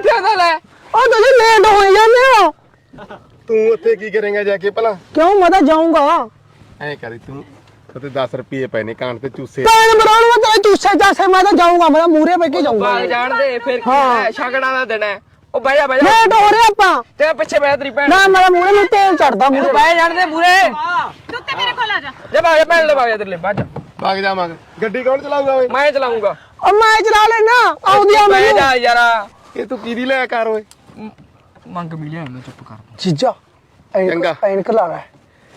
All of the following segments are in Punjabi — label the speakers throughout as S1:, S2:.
S1: ਬੈਠਿਆ ਤਾਂ ਲੈ
S2: ਉਹ ਤੁਸੀਂ ਲੇਟ ਹੋ ਜਾਂਦੇ ਹੋ।
S3: ਤੂੰ ਉੱਥੇ ਕੀ ਕਰੇਂਗਾ ਜਾ ਕੇ ਭਲਾ?
S2: ਕਿਉਂ ਮੈਂ ਤਾਂ ਜਾਊਂਗਾ।
S3: ਐ ਕਰੀ ਤੂੰ ਉੱਥੇ 10 ਰੁਪਏ ਪਏ ਨੇ ਕਾਨ ਤੇ ਚੂਸੇ।
S2: ਕਾਨ ਮਰਾਉਣ ਮੈਂ ਤਾਂ ਚੂਸੇ ਚਾਸੇ ਮੈਂ ਤਾਂ ਜਾਊਂਗਾ। ਮੈਂ ਮੂਰੇ ਬੈ ਕੇ ਜਾਊਂਗਾ।
S1: ਬਾਗ ਜਾਣ ਦੇ ਫਿਰ ਕੀ ਹੈ ਛਕੜਾ ਦਾ ਦਿਨ ਹੈ। ਉਹ ਬਹਿ ਜਾ
S2: ਲੇਟ ਹੋ ਰਹੇ ਆਪਾਂ।
S1: ਤੇ ਪਿੱਛੇ ਬਹਿ ਤੇਰੀ ਭੈਣ।
S2: ਨਾ ਮੇਰਾ ਮੂਰੇ ਨੂੰ ਤੇਲ ਚੜਦਾ ਮੂਰੇ।
S1: ਬਹਿ ਜਾਣ ਦੇ ਮੂਰੇ।
S4: ਤੂੰ ਤੇ ਮੇਰੇ ਕੋਲ ਆ ਜਾ।
S1: ਜਾ ਬਾਗ ਜਾ ਭੈਣ ਲੈ ਬਾਗ ਜਾ ਤੇਰੇ ਲਈ ਬਾਜ
S3: ਭਾਗ ਜਾਵਾਂਗੇ। ਗੱਡੀ ਕੌਣ ਚਲਾਊਗਾ ਓਏ?
S1: ਮੈਂ ਚਲਾਉਂਗਾ।
S2: ਉਹ ਮੈਂ ਚਲਾ ਲੈਣਾ ਆਉਂਦੀ ਆ
S1: ਬਹਿ
S2: ਮੈਨੂੰ।
S1: ਜਾ ਯਾਰਾ
S3: ਇਹ ਤੂੰ ਕਿਹਦੀ ਲੈ ਕਰ ਓਏ?
S1: ਮੰਗ ਵੀ ਲਿਆ ਮੈਂ ਚੁੱਪ ਕਰ।
S2: ਜੀਜਾ
S3: ਚੰਗਾ।
S2: ਐਨਕ ਲਾ ਲੈ।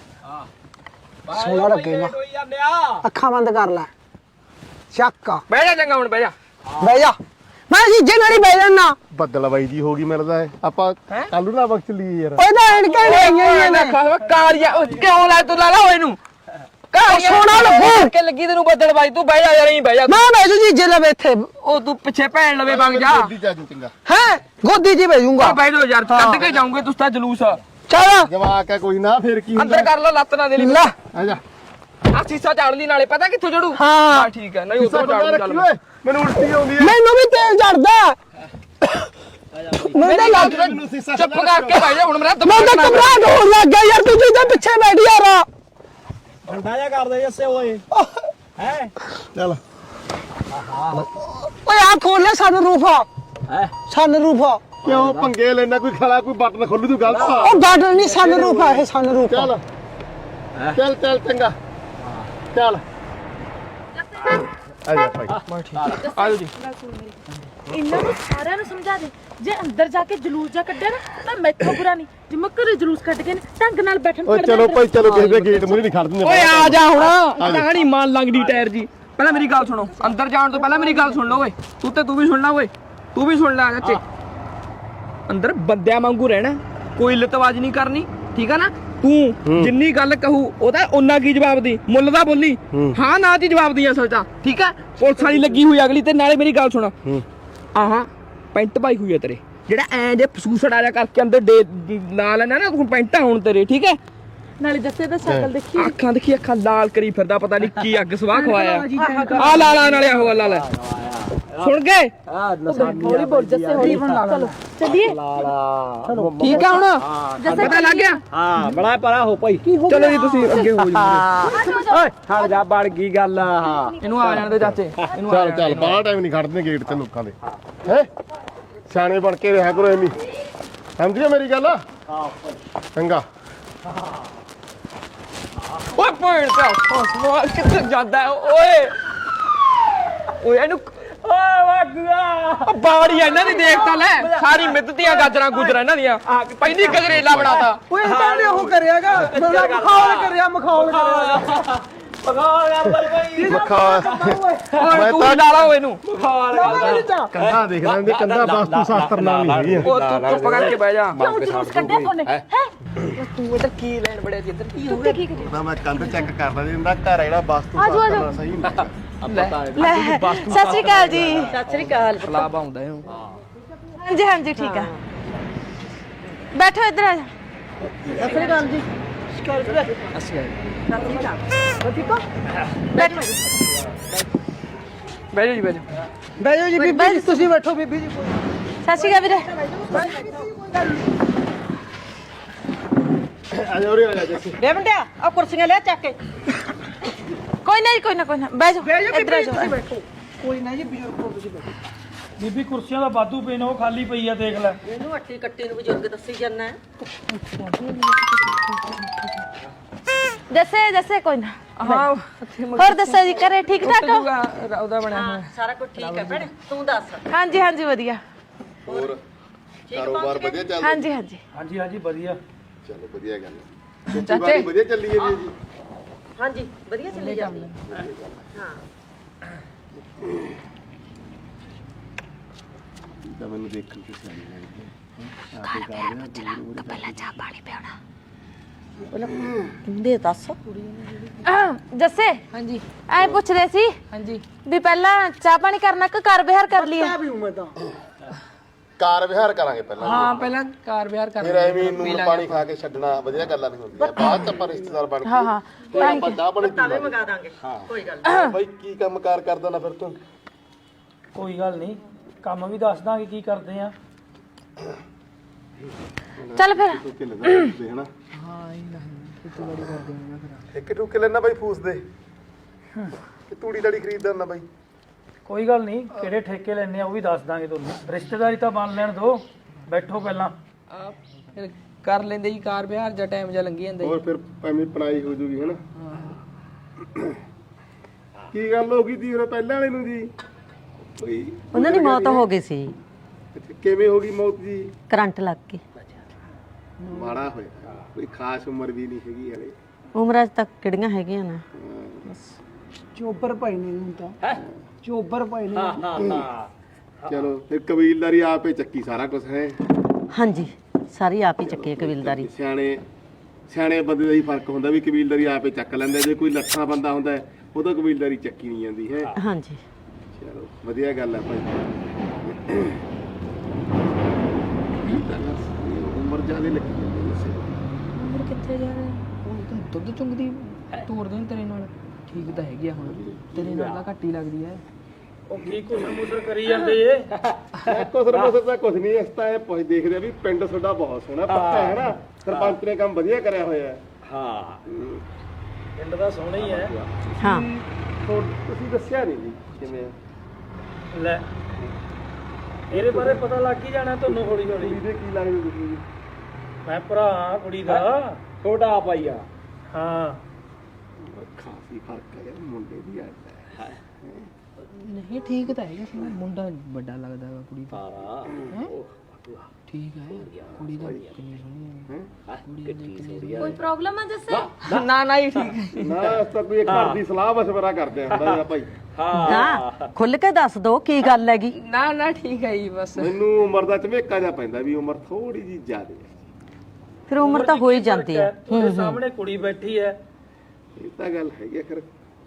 S2: ਸੋਹਣਾ ਲੱਗੇਗਾ। ਅੱਖਾਂ ਬੰਦ ਕਰ ਲੈ। ਚੱਕ
S1: ਬਹਿ ਜਾ ਚੰਗਾ ਹੁਣ ਬਹਿ ਜਾ।
S2: ਬਹਿ ਜਾ। ਮੈਂ ਜੀਜੇ ਨਾਲ ਹੀ ਬਹਿ ਜਾਣਾ।
S3: ਬੱਦਲ ਬਾਈ ਜੀ ਹੋ ਗਈ ਮਿਲਦਾ ਹੈ ਆਪਾਂ ਕੱਲੂ ਨਾ ਵਕਤ ਲਈ ਯਾਰ।
S2: ਓਏ ਤਾਂ ਐਨਕਾਂ ਨਹੀਂ ਆਈਆਂ ਨੇ।
S1: ਕਾਲੀਆ ਕਿਉਂ ਲੈ ਤੂੰ ਲਾ ਲਾ ਇਹਨੂੰ ਕਾਲੀਆ
S2: ਸੋਹਣਾ ਲੱਗੂ।
S1: ਕਿ ਲੱਗੀ ਤੈਨੂੰ ਬੱਦਲ ਬਾਈ ਤੂੰ ਬਹਿ ਜਾ ਯਾਰ ਇਹੀ ਬਹਿ ਜਾ।
S2: ਮੈਂ ਬਹਿ ਜੂ ਜੀਜੇ ਲਵੇ ਇੱਥੇ।
S1: ਉਹ ਤੂੰ ਪਿੱਛੇ ਭੈਣ ਲਵੇ ਵਗ ਜਾ।
S3: ਗੱਡੀ ਚ ਆ ਜਾਊਂ ਚੰਗਾ।
S2: ਹੈ ਗੋਦੀ 'ਚ ਬਹਿ ਜੂੰਗਾ।
S1: ਬਹਿ ਜਾ ਯਾਰ ਕੱਢ ਕੇ ਜਾਉਂਗੇ ਤੁਸੀਂ ਤਾਂ ਜਲੂਸ
S2: ਚੱਲ
S3: ਜਵਾਕ ਹੈ ਕੋਈ ਨਾ ਫਿਰ ਕੀ ਹੁੰਦਾ?
S1: ਅੰਦਰ ਕਰ ਲਾ ਲੱਤ ਨਾ ਦੇ ਲਈ
S2: ਲੈ
S3: ਆ ਜਾ।
S1: ਆ ਸੀਸਾ ਝਾੜ ਲਈ ਨਾਲੇ ਪਤਾ ਕਿੱਥੋਂ ਜੜੂ
S2: ਹਾਂ।
S1: ਠੀਕ ਹੈ ਨਹੀਂ ਉਧਰ ਝਾੜੂ ਚੱਲ
S3: ਓਏ ਮੈਨੂੰ ਉਲਟੀ ਆਉਂਦੀ ਹੈ।
S2: ਮੈਨੂੰ ਵੀ ਤੇਲ ਚੜਦਾ। ਮੈਂ ਤਾਂ ਲੱਗ
S1: ਚੁੱਪ ਕਰਕੇ ਬਹਿ ਜਾ ਹੁਣ ਮੇਰਾ
S2: ਮੈਂ ਤਾਂ ਘਬਰਾਹਟ ਹੋਣ ਲੱਗ ਗਿਆ ਯਾਰ। ਤੂੰ ਜਿੱਦਾਂ ਪਿੱਛੇ ਬੈਠ ਯਾਰ।
S5: ਠੰਡਾ ਜਾ ਕਰਦੇ ਜੱਸੇ ਓਏ ਹੈ
S3: ਚੱਲ
S2: ਓਏ ਆ ਖੋਲ ਲੈ ਸਾਨੂੰ ਰੂਫਾ। ਸਾਨੂੰ ਰੂਫਾ
S3: ਕਿਉਂ ਪੰਗੇ ਲੈਣਾ? ਕੋਈ ਖਲਾ ਕੋਈ ਬਟਨ ਖੋਲੂ ਤੂੰ ਗਲਤ ਆ।
S2: ਉਹ ਬਾਟਲ ਨਹੀਂ ਸਾਨੂੰ ਰੂਫਾ ਇਹ ਸਾਨੂੰ ਰੂਫਾ।
S3: ਚੱਲ ਚੱਲ ਚੱਲ ਚੰਗਾ ਚੱਲ ਆ ਜਾ ਭਾਈ।
S1: ਆਜੋ ਜੀ
S4: ਇਹਨਾਂ ਨੂੰ ਸਾਰਿਆਂ ਨੂੰ ਸਮਝਾ ਦੇ ਜੇ ਅੰਦਰ ਜਾ ਕੇ ਜਲੂਸ ਜਾ ਕੱਢਿਆ ਨਾ ਤਾਂ ਮੈਥੋਂ ਬੁਰਾ ਨਹੀਂ ਜੇ ਮੈਂ ਘਰੇ ਜਲੂਸ ਕੱਢ ਕੇ ਢੰਗ ਨਾਲ ਬੈਠਣ
S3: ਓਏ ਚਲੋ ਭਾਈ ਚਲੋ ਕਿਸੇ ਦੇ ਗੇਟ ਮੂਹਰੇ ਨਹੀਂ ਖੜ ਦਿੰਦੇ।
S1: ਓਏ ਆ ਜਾ ਹੁਣ ਕਹਾਣੀ ਮਾਨ ਲੰਗਦੀ ਟਾਇਰ ਜੀ। ਪਹਿਲਾਂ ਮੇਰੀ ਗੱਲ ਸੁਣੋ ਅੰਦਰ ਜਾਣ ਤੋਂ ਪਹਿਲਾਂ ਮੇਰੀ ਗੱਲ ਸੁਣ ਲਓ ਓਏ ਤੂੰ ਵੀ ਸੁਣਨਾ ਓਏ ਤੂੰ ਵੀ ਸੁਣ ਲੈ ਚਾਚੇ। ਅੰਦਰ ਬੰਦਿਆਂ ਵਾਂਗੂ ਰਹਿਣਾ ਕੋਈ ਲਤਵਾਜ ਨਹੀਂ ਕਰਨੀ ਠੀਕ ਆ ਨਾ। ਤੂੰ ਜਿੰਨੀ ਗੱਲ ਕਹੂ ਉਹਦਾ ਓਨਾ ਕੀ ਜਵਾਬ ਦੀ ਮੁੱਲ ਦਾ ਬੋਲੀ ਹਾਂ ਨਾ ਦੀ ਜਵਾਬ ਦੀ ਅਸਲ ਤਾਂ ਠੀਕ ਆ। ਪੁਲਿਸ ਵਾਲੀ ਲੱਗੀ ਹੋਈ ਅਗਲੀ ਤੇ ਨਾਲੇ ਮੇਰੀ ਗੱਲ ਸੁਣ ਆਹਾਂ ਪੈਂਟ ਪਾਈ ਹੋਈ ਹੈ ਤੇਰੇ ਜਿਹੜਾ ਐਂ ਜੇ ਫਸੂਸੜਾ ਜਿਹਾ ਕਰਕੇ ਅੰਦਰ ਲਾ ਲੈਣਾ ਨਾ ਤੂੰ ਪੈਂਟਾਂ ਹੁਣ ਤੇਰੇ ਠੀਕ ਹੈ।
S4: ਨਾਲੇ ਜੱਸੇ ਦਾ ਸ਼ਕਲ ਦੇਖੀ
S1: ਅੱਖਾਂ ਦੇਖੀ ਅੱਖਾਂ ਲਾਲ ਕਰੀ ਫਿਰਦਾ ਪਤਾ ਨਹੀਂ ਕੀ ਅੱਗ ਸਵਾਹ ਖਵਾਇਆ ਆ ਲਾ ਨਾਲੇ ਆਹੋ ਲਾ ਲੈ ਸੁਣ ਗਏ
S4: ਹੌਲੀ ਬੋਲ ਜੱਸੇ ਹੌਲੀ ਚਲੋ ਚੱਲੀਏ
S1: ਠੀਕ ਆ ਹੁਣ ਪਤਾ ਲੱਗ ਗਿਆ
S5: ਹਾਂ ਬੜਾ ਪਰਾ ਹੋ ਭਾਈ
S1: ਚਲੋ ਜੀ ਤੁਸੀਂ ਅੱਗੇ ਹੋ ਜਾਓ
S5: ਓਏ ਹਟ ਜਾ ਬਣ ਗਈ ਗੱਲ ਹਾਂ
S1: ਇਹਨੂੰ ਆ ਜਾਣ ਦੇ ਚਾਚੇ ਇਹਨੂੰ
S3: ਚੱਲ ਚੱਲ ਬਾਹਰ ਟਾਈਮ ਨਹੀਂ ਖੜਦੇ ਗੇਟ ਤੇ ਲੋਕਾਂ ਦੇ ਹੈ। ਸਿਆਣੇ ਬਣ ਕੇ ਰਿਹਾ ਕਰੋ ਐਵੇਂ ਸਮਝਿਓ ਮੇਰੀ ਗੱਲ। ਚੰਗਾ
S1: ਓਏ ਪੁਆਇੰਟ ਤੇ ਫਸਵਾ ਕਿੱਥੇ ਜਾਂਦਾ ਹੈ ਓਏ ਓਏ ਇਹਨੂੰ
S5: ਓਏ ਵਾਗੂਆ
S1: ਬਾੜੀ ਇਹਨਾਂ ਦੀ ਦੇਖ ਤਾਂ ਲੈ ਸਾਰੀ ਮਿੱਧਤੀਆਂ ਗਾਜਰਾਂ ਗੁਜਰਾਂ ਇਹਨਾਂ ਦੀਆਂ ਪਹਿਲੀ ਗਜਰੇਲਾ ਬਣਾਤਾ
S2: ਓਏ ਇਹਨਾਂ ਨੇ ਉਹ ਕਰਿਆਗਾ ਮਖੌਲ ਕਰਿਆ ਮਖੌਲ ਕਰਿਆ।
S5: ਪਕਾਲ ਕਰ ਭਾਈ
S3: ਮੱਖਾ
S1: ਓਏ ਤੂੰ ਲਾ ਲਾ ਇਹਨੂੰ
S3: ਕੰਧਾ ਦੇਖ ਲੈਂਦੇ ਕੰਧਾ ਵਾਸਤੂ ਸ਼ਾਸਤਰ ਨਾਲ ਨਹੀਂ ਹੈਗੀ।
S1: ਉਹ ਤੂੰ ਚੁੱਪ ਕਰਕੇ ਬਹਿ ਜਾ
S4: ਕਿਉਂ ਜਲੂਸ ਕੱਢਿਆ ਤੁਹਾਨੇ ਹੈ
S1: ਤੂੰ ਇੱਧਰ ਕੀ ਲੈਣ ਬੜਿਆ ਜੀ ਇੱਧਰ ਕੀ ਹੋ
S4: ਤੂੰ ਕੀ ਕਰੀ
S3: ਨਾ ਮੈਂ ਕੰਧ ਚੈੱਕ ਕਰਦਾ ਜੀ ਇਹਦਾ ਘਰ ਜਿਹੜਾ ਵਾਸਤੂ ਸ਼ਾਸਤਰ ਨਾਲ ਸਹੀ ਨਹੀਂ।
S4: ਲੈ ਸਤਿ ਸ਼੍ਰੀ ਅਕਾਲ ਜੀ ਸਤਿ ਸ਼੍ਰੀ ਅਕਾਲ
S1: ਲਾਭ ਆਉਂਦਾ ਇਹਨੂੰ
S4: ਹਾਂਜੀ ਹਾਂਜੀ ਠੀਕ ਆ ਬੈਠੋ ਇੱਧਰ ਆ ਜਾ
S2: ਸਤਿ ਗੱਲ ਜੀ।
S1: ਅੱਛਾ
S2: ਠੀਕ ਹੋ
S4: ਬੈਠੋ
S1: ਬਹਿ ਜਾ ਜੀ ਬਹਿ ਜਾ
S2: ਬਹਿ ਜਾਓ ਜੀ ਬੀਬੀ ਜੀ ਤੁਸੀਂ ਬੈਠੋ ਬੀਬੀ ਜੀ।
S4: ਸਤਿ ਸ਼੍ਰੀ ਅਕਾਲ ਵੀਰੇ
S3: ਆ ਜਾ ਉਰੇ ਆ ਜਾ ਜੱਸੀ।
S2: ਦੇ ਮੁੰਡਿਆ ਆ ਕੁਰਸੀਆਂ ਲੈ ਚੱਕ ਕੇ।
S4: ਕੋਈ ਨਾ ਬਹਿ ਜਾਓ ਇੱਧਰ ਆ ਜਾਓ
S2: ਬੈਠੋ ਕੋਈ ਨਾ ਜੀ ਬਜ਼ੁਰਗ ਹੋ ਤੁਸੀਂ ਬੈਠੋ।
S5: ਬੀਬੀ ਕੁਰਸੀਆਂ ਦਾ ਵਾਧੂ ਪਏ ਨੇ ਉਹ ਖਾਲੀ ਪਈ ਆ ਦੇਖ ਲੈ
S2: ਇਹਨੂੰ ਅੱਟੀ ਕੱਟੀ ਨੂੰ ਬਜ਼ੁਰਗ ਦੱਸੀ ਜਾਂਦਾ।
S4: ਜੱਸੇ ਕੋਈ ਨਾ
S1: ਹਾਂ
S4: ਹੋਰ ਦੱਸੋ ਜੀ ਘਰੇ ਠੀਕ ਠਾਕ ਹੋ
S1: ਉਹਦਾ ਬਣਿਆ ਹੋਇਆ
S2: ਸਾਰਾ ਕੁਝ ਠੀਕ ਹੈ ਭੈਣੇ ਤੂੰ ਦੱਸ।
S4: ਹਾਂਜੀ ਵਧੀਆ
S3: ਹੋਰ ਕਾਰੋਬਾਰ ਵਧੀਆ ਚੱਲਦਾ?
S4: ਹਾਂਜੀ
S5: ਹਾਂਜੀ ਵਧੀਆ
S3: ਚਲੋ ਵਧੀਆ ਗੱਲ ਹੈ। ਖੇਤੀਬਾੜੀ ਵਧੀਆ ਚੱਲੀ ਹੈ ਜੀ।
S2: ਹਾਂਜੀ ਵਧੀਆ ਚੱਲੀ ਜਾਂਦੀ ਹਾਂ।
S3: ਤਾਂ ਮੈਨੂੰ ਦੇਖਣ ਤੇ ਸਿਆਣੀ ਲੱਗਦੀ
S4: ਪਹਿਲਾਂ ਚਾਹ ਪਾਣੀ ਪਿਆਉਣਾ
S2: ਦੇ ਦੱਸ
S4: ਜੱਸੇ ਹਾਂਜੀ ਐ ਪੁੱਛ ਰਹੇ ਸੀ ਹਾਂਜੀ ਵੀ ਪਹਿਲਾਂ ਚਾਹ ਪਾਣੀ ਕਰਨਾ ਕਿ ਕਾਰ ਵਿਹਾਰ ਕਰ ਲਈਏ
S2: ਵੀ ਮੈਂ ਤਾਂ
S3: ਕਾਰ ਵਿਹਾਰ ਕਰਾਂਗੇ ਪਹਿਲਾਂ।
S1: ਹਾਂ ਪਹਿਲਾਂ ਕਾਰ ਵਿਹਾਰ ਕਰ
S3: ਫਿਰ ਐਵੇਂ ਨੂਨ ਪਾਣੀ ਖਾ ਕੇ ਛੱਡਣਾ ਵਧੀਆ ਗੱਲਾਂ ਨਹੀਂ ਹੁੰਦੀਆਂ। ਬਾਅਦ ਚ ਆਪਾਂ ਰਿਸ਼ਤੇਦਾਰ ਬਣ ਕੇ
S4: ਹਾਂ
S3: ਫਿਰ ਆਪਾਂ ਚਾਹ ਪਾਣੀ
S2: ਤਾਵੇ ਮੰਗਾ ਦਾਂਗੇ ਕੋਈ ਗੱਲ
S3: ਬਾਈ ਕੀ ਕੰਮ ਕਾਰ ਕਰਦਾ ਨਾ ਫਿਰ ਤੂੰ?
S5: ਕੋਈ ਗੱਲ ਨਹੀਂ ਕੰਮ ਵੀ ਦੱਸ ਦਾਂਗੇ ਕੀ ਕਰਦੇ ਆ
S4: ਚੱਲ ਫਿਰ
S3: ਟੁੱਕੇ ਲੈਣਾ ਫੂਸ ਦੇ ਹਨਾ ਇੱਕ ਟੁੱਕੇ ਲੈਣਾ ਬਾਈ ਫੂਸ ਦੇ ਕਿ ਤੂੜੀ ਤੜੀ ਖਰੀਦਦਾ ਨਾ ਬਾਈ
S5: ਕੋਈ ਗੱਲ ਨਹੀਂ ਕਿਹੜੇ ਠੇਕੇ ਲੈਣੇ ਆ ਉਹ ਵੀ ਦੱਸ ਦਾਂਗੇ ਤੁਹਾਨੂੰ ਰਿਸ਼ਤੇਦਾਰੀ ਤਾਂ ਬਣ ਲੈਣ ਦੋ ਬੈਠੋ ਪਹਿਲਾਂ
S1: ਫਿਰ ਕਰ ਲੈਂਦੇ ਜੀ ਕਾਰ ਵਿਹਾਰ ਜਾਂ ਟਾਈਮ ਜਾਂ ਲੰਘੀ ਜਾਂਦਾ
S3: ਹੋਰ ਫਿਰ ਐਵੇਂ ਪਣਾਈ ਹੋ ਜੂਗੀ ਹਨਾ ਕੀ ਗੱਲ ਹੋ ਗਈ ਤੀ ਉਹ ਪਹਿਲਾਂ ਵਾਲੇ ਨੂੰ ਜੀ ਕੋਈ
S6: ਉਹਨਾਂ ਦੀ ਮੌਤ ਹੋ ਗਈ ਸੀ
S3: ਕਿਵੇਂ ਹੋ ਗਈ ਮੌਤ ਜੀ
S6: ਕਰੰਟ ਲੱਗ ਕੇ
S3: ਮਾੜਾ ਹੋਇਆ ਕੋਈ ਖਾਸ ਉਮਰ ਵੀ ਨਹੀਂ ਹੈਗੀ ਹਲੇ
S6: ਉਮਰਾਂ 'ਚ ਤੱਕ ਕਿਹੜੀਆਂ ਹੈਗੀਆਂ ਨੇ
S2: ਚੋਬਰ ਭਾਈ ਨੇ ਹੁਣ ਤਾਂ ਚੋਬਰ ਭਾਈ ਨੇ
S3: ਚਲੋ ਫਿਰ ਕਬੀਲਦਾਰੀ ਆਪੇ ਚੱਕੀ ਸਾਰਾ ਕੁਝ ਹੈ
S6: ਹਾਂਜੀ ਸਾਰੀ ਆਪ ਹੀ ਚੱਕੀ ਹੈ ਕਬੀਲਦਾਰੀ
S3: ਸਿਆਣੇ ਬੰਦੇ ਦਾ ਹੀ ਫਰਕ ਹੁੰਦਾ ਵੀ ਕਬੀਲਦਾਰੀ ਆਪੇ ਚੱਕ ਲੈਂਦਾ ਜੇ ਕੋਈ ਲੱਠਾ ਬੰਦਾ ਹੁੰਦਾ ਹੈ ਉਹਦਾ ਕਬੀਲਦਾਰੀ ਚੱਕੀ ਨਹੀਂ ਜਾਂਦੀ ਹੈ
S6: ਹਾਂਜੀ
S3: ਚਲੋ ਵਧੀਆ ਗੱਲ ਹੈ ਭਾਈ ਉਮਰ ਜ਼ਿਆਦੇ ਲੱਗੀ ਜਾਂਦੀ ਵੈਸੇ
S1: ਉਮਰ ਕਿੱਥੇ ਜਾ ਰਿਹਾ ਹੁਣ ਤਾਂ ਦੁੱਧ ਚੁੰਗਦੀ ਤੋੜਦੇ ਨੇ ਤੇਰੇ ਨਾਲ ਠੀਕ ਤਾਂ ਹੈਗੀ ਆ ਹੁਣ ਤੇਰੇ ਨਾਲ ਤਾਂ ਘੱਟ ਹੀ ਲੱਗਦੀ ਹੈ
S5: ਉਹ ਕੀ ਘੁਸਰ ਮੁਸਰ ਕਰੀ ਜਾਂਦੇ ਏ
S3: ਕੁਸਰ ਤਾਂ ਕੁਝ ਨਹੀਂ ਇਸ ਤਾਂ ਇਹ ਪੁੱਛ ਦੇਖਦੇ ਆ ਵੀ ਪਿੰਡ ਤੁਹਾਡਾ ਬਹੁਤ ਸੋਹਣਾ ਪੱਕਾ ਹੈ ਨਾ ਸਰਪੰਚ ਨੇ ਕੰਮ ਵਧੀਆ ਕਰਿਆ ਹੋਇਆ ਹੈ
S5: ਹਾਂ ਪਿੰਡ ਦਾ ਸੋਹਣਾ ਹੀ ਹੈ
S6: ਹਾਂ
S3: ਤੁਸੀਂ ਦੱਸਿਆ ਨਹੀਂ ਜੀ ਕਿਵੇਂ ਆ?
S5: ਲੈ ਇਹਦੇ ਬਾਰੇ ਪਤਾ ਲੱਗ ਹੀ ਜਾਣਾ ਤੁਹਾਨੂੰ ਹੌਲੀ ਹੌਲੀ
S3: ਕੁੜੀ ਦੇ ਕੀ ਲੱਗਦੇ ਤੁਸੀਂ ਜੀ?
S5: ਮੈਂ ਭਰਾ ਕੁੜੀ ਦਾ ਛੋਟਾ ਭਾਈਆ ਹਾਂ
S3: ਖਾਸੀ ਫਰਕ ਹੈ ਯਾਰ ਮੁੰਡੇ ਦੀ ਆਦਤ ਹੈ
S1: ਨਹੀਂ ਠੀਕ ਤਾਂ ਹੈਗਾ ਸੀ ਮੁੰਡਾ ਵੱਡਾ ਲੱਗਦਾ ਹੈ ਕੁੜੀ ਦਾ ਠੀਕ ਹੈ ਕੁੜੀ ਦਾ ਕਿੰਨੀ ਸੋਹਣੀ ਹੈ
S4: ਕੋਈ ਪ੍ਰੋਬਲਮ ਆ ਜੱਸੇ
S1: ਨਾ ਨਾ ਹੀ ਠੀਕ ਹੈ
S3: ਨਾ ਇਸ ਤਾਂ ਕੋਈ ਇੱਕ ਘਰ ਦੀ ਸਲਾਹ ਮਸ਼ਵਰਾ ਕਰਦੇ ਆ ਹੁੰਦਾ ਭਾਈ
S6: ਨਾ ਖੁੱਲ ਕੇ ਦੱਸ ਦੋ ਕੀ ਗੱਲ ਹੈਗੀ
S1: ਨਾ ਨਾ ਠੀਕ ਹੈ ਜੀ ਬਸ
S3: ਮੈਨੂੰ ਉਮਰ ਦਾ ਝਮੇਕਾ ਜਿਹਾ ਪੈਂਦਾ ਵੀ ਉਮਰ ਥੋੜੀ ਜੀ ਜ਼ਿਆਦੇ ਹੈ
S6: ਫਿਰ ਉਮਰ ਤਾਂ ਹੋ ਹੀ ਜਾਂਦੀ ਹੈ
S5: ਤੁਹਾਡੇ ਸਾਹਮਣੇ ਕੁੜੀ ਬੈਠੀ ਹੈ
S3: ਇਹ ਤਾਂ ਗੱਲ ਹੈਗੀ ਆ ਖਰ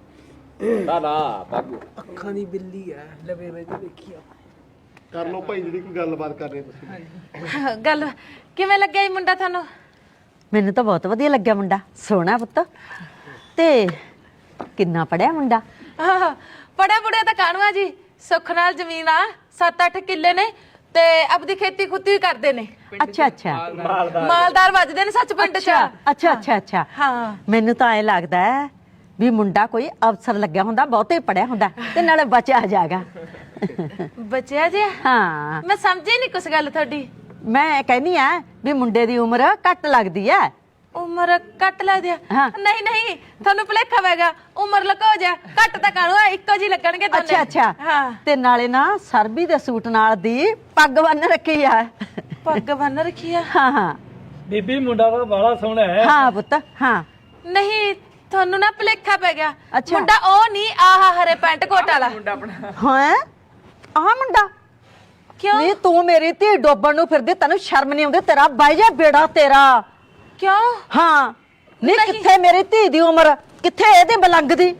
S1: ਅੱਖਾਂ ਦੀ ਬਿੱਲੀ ਹੈ ਲਵੇ ਵੇ ਦੇਖੀ
S3: ਕਰ ਲਓ ਭਾਈ ਜਿਹੜੀ ਕੋਈ ਗੱਲਬਾਤ ਕਰਨੀ ਤੁਸੀਂ
S4: ਗੱਲ ਕਿਵੇਂ ਲੱਗਿਆ ਇਹ ਮੁੰਡਾ ਤੁਹਾਨੂੰ
S6: ਮੈਨੂੰ ਤਾਂ ਬਹੁਤ ਵਧੀਆ ਲੱਗਿਆ ਮੁੰਡਾ ਸੋਹਣਾ ਪੁੱਤ ਤੇ ਕਿੰਨਾ ਪੜਿਆ ਮੁੰਡਾ
S4: ਪੜੇ ਪੁੜੇ ਤਾਂ ਕਾਣਵਾ ਜੀ ਸੁੱਖ ਨਾਲ ਜ਼ਮੀਨ ਆ 7-8 ਕਿੱਲੇ ਨੇ ਤੇ ਆਪਦੀ ਖੇਤੀ ਖੁੱਤੀ ਕਰਦੇ ਨੇ
S6: ਅੱਛਾ ਅੱਛਾ
S4: ਮਾਲਦਾਰ ਵੱਜਦੇ ਨੇ ਸੱਚ ਪਿੰਡ ਚ
S6: ਅੱਛਾ ਅੱਛਾ ਅੱਛਾ
S4: ਹਾਂ
S6: ਮੈਨੂੰ ਤਾਂ ਐ ਲੱਗਦਾ ਹੈ ਵੀ ਮੁੰਡਾ ਕੋਈ ਅਫਸਰ ਲੱਗਿਆ ਹੁੰਦਾ ਬਹੁਤੇ ਪੜਿਆ ਹੁੰਦਾ ਤੇ ਨਾਲੇ ਬਚਿਆ ਜਾਗਾ
S4: ਬਚਿਆ ਜੀ
S6: ਹਾਂ
S4: ਮੈਂ ਸਮਝੀ ਨਹੀਂ ਕੁਛ ਗੱਲ ਤੁਹਾਡੀ
S6: ਮੈਂ ਕਹਿੰਦੀ ਆ ਵੀ ਮੁੰਡੇ ਦੀ ਉਮਰ ਘੱਟ ਲੱਗਦੀ ਐ
S4: ਉਮਰ ਕੱਟ ਲਾ ਦਿਆ
S6: ਹਾਂ।
S4: ਨਹੀਂ ਨਹੀਂ ਤੁਹਾਨੂੰ ਭੁਲੇਖਾ ਪੈਗਾ ਉਮਰ ਲਕੋ ਜਾ ਕੱਟ ਤਾਂ ਕਾਣੂ ਇੱਕੋ ਜੀ ਲੱਗਣਗੇ ਦੋਨੇ
S6: ਅੱਛਾ ਅੱਛਾ
S4: ਹਾਂ
S6: ਤੇ ਨਾਲੇ ਨਾ ਸਰਬੀ ਦੇ ਸੂਟ ਨਾਲ ਦੀ ਪੱਗ ਬੰਨ ਰੱਖੀ ਆ
S4: ਪੱਗ ਬੰਨ ਰੱਖੀ ਆ
S6: ਹਾਂ ਹਾਂ
S5: ਬੀਬੀ ਮੁੰਡਾ ਤਾਂ ਬਾਲਾ ਸੋਹਣਾ ਹੈ
S6: ਹਾਂ ਪੁੱਤ ਹਾਂ
S4: ਨਹੀਂ ਤੁਹਾਨੂੰ ਨਾ ਭੁਲੇਖਾ ਪੈ ਗਿਆ
S6: ਅੱਛਾ।
S4: ਮੁੰਡਾ ਉਹ ਨਹੀਂ ਆਹ ਹਰੇ ਪੈਂਟ ਕੋਟ ਵਾਲਾ
S1: ਮੁੰਡਾ ਆਪਣਾ
S6: ਹਾਂ ਆਹ ਮੁੰਡਾ
S4: ਕਿਉਂ
S6: ਨਹੀਂ ਤੂੰ ਮੇਰੀ ਧੀ ਡੋਬਣ ਨੂੰ ਫਿਰਦੀ ਤੈਨੂੰ ਸ਼ਰਮ ਨਹੀਂ ਆਉਂਦੀ ਤੇਰਾ ਬਾਈ ਜਾ ਬੇੜਾ ਤੇਰਾ
S4: ਕਿਉਂ
S6: ਹਾਂ ਨਹੀਂ
S4: ਨਹੀਂ।
S6: ਕਿੱਥੇ ਮੇਰੀ ਧੀ ਦੀ ਉਮਰ ਕਿੱਥੇ ਇਹਦੇ ਬਲੰਗ ਦੀ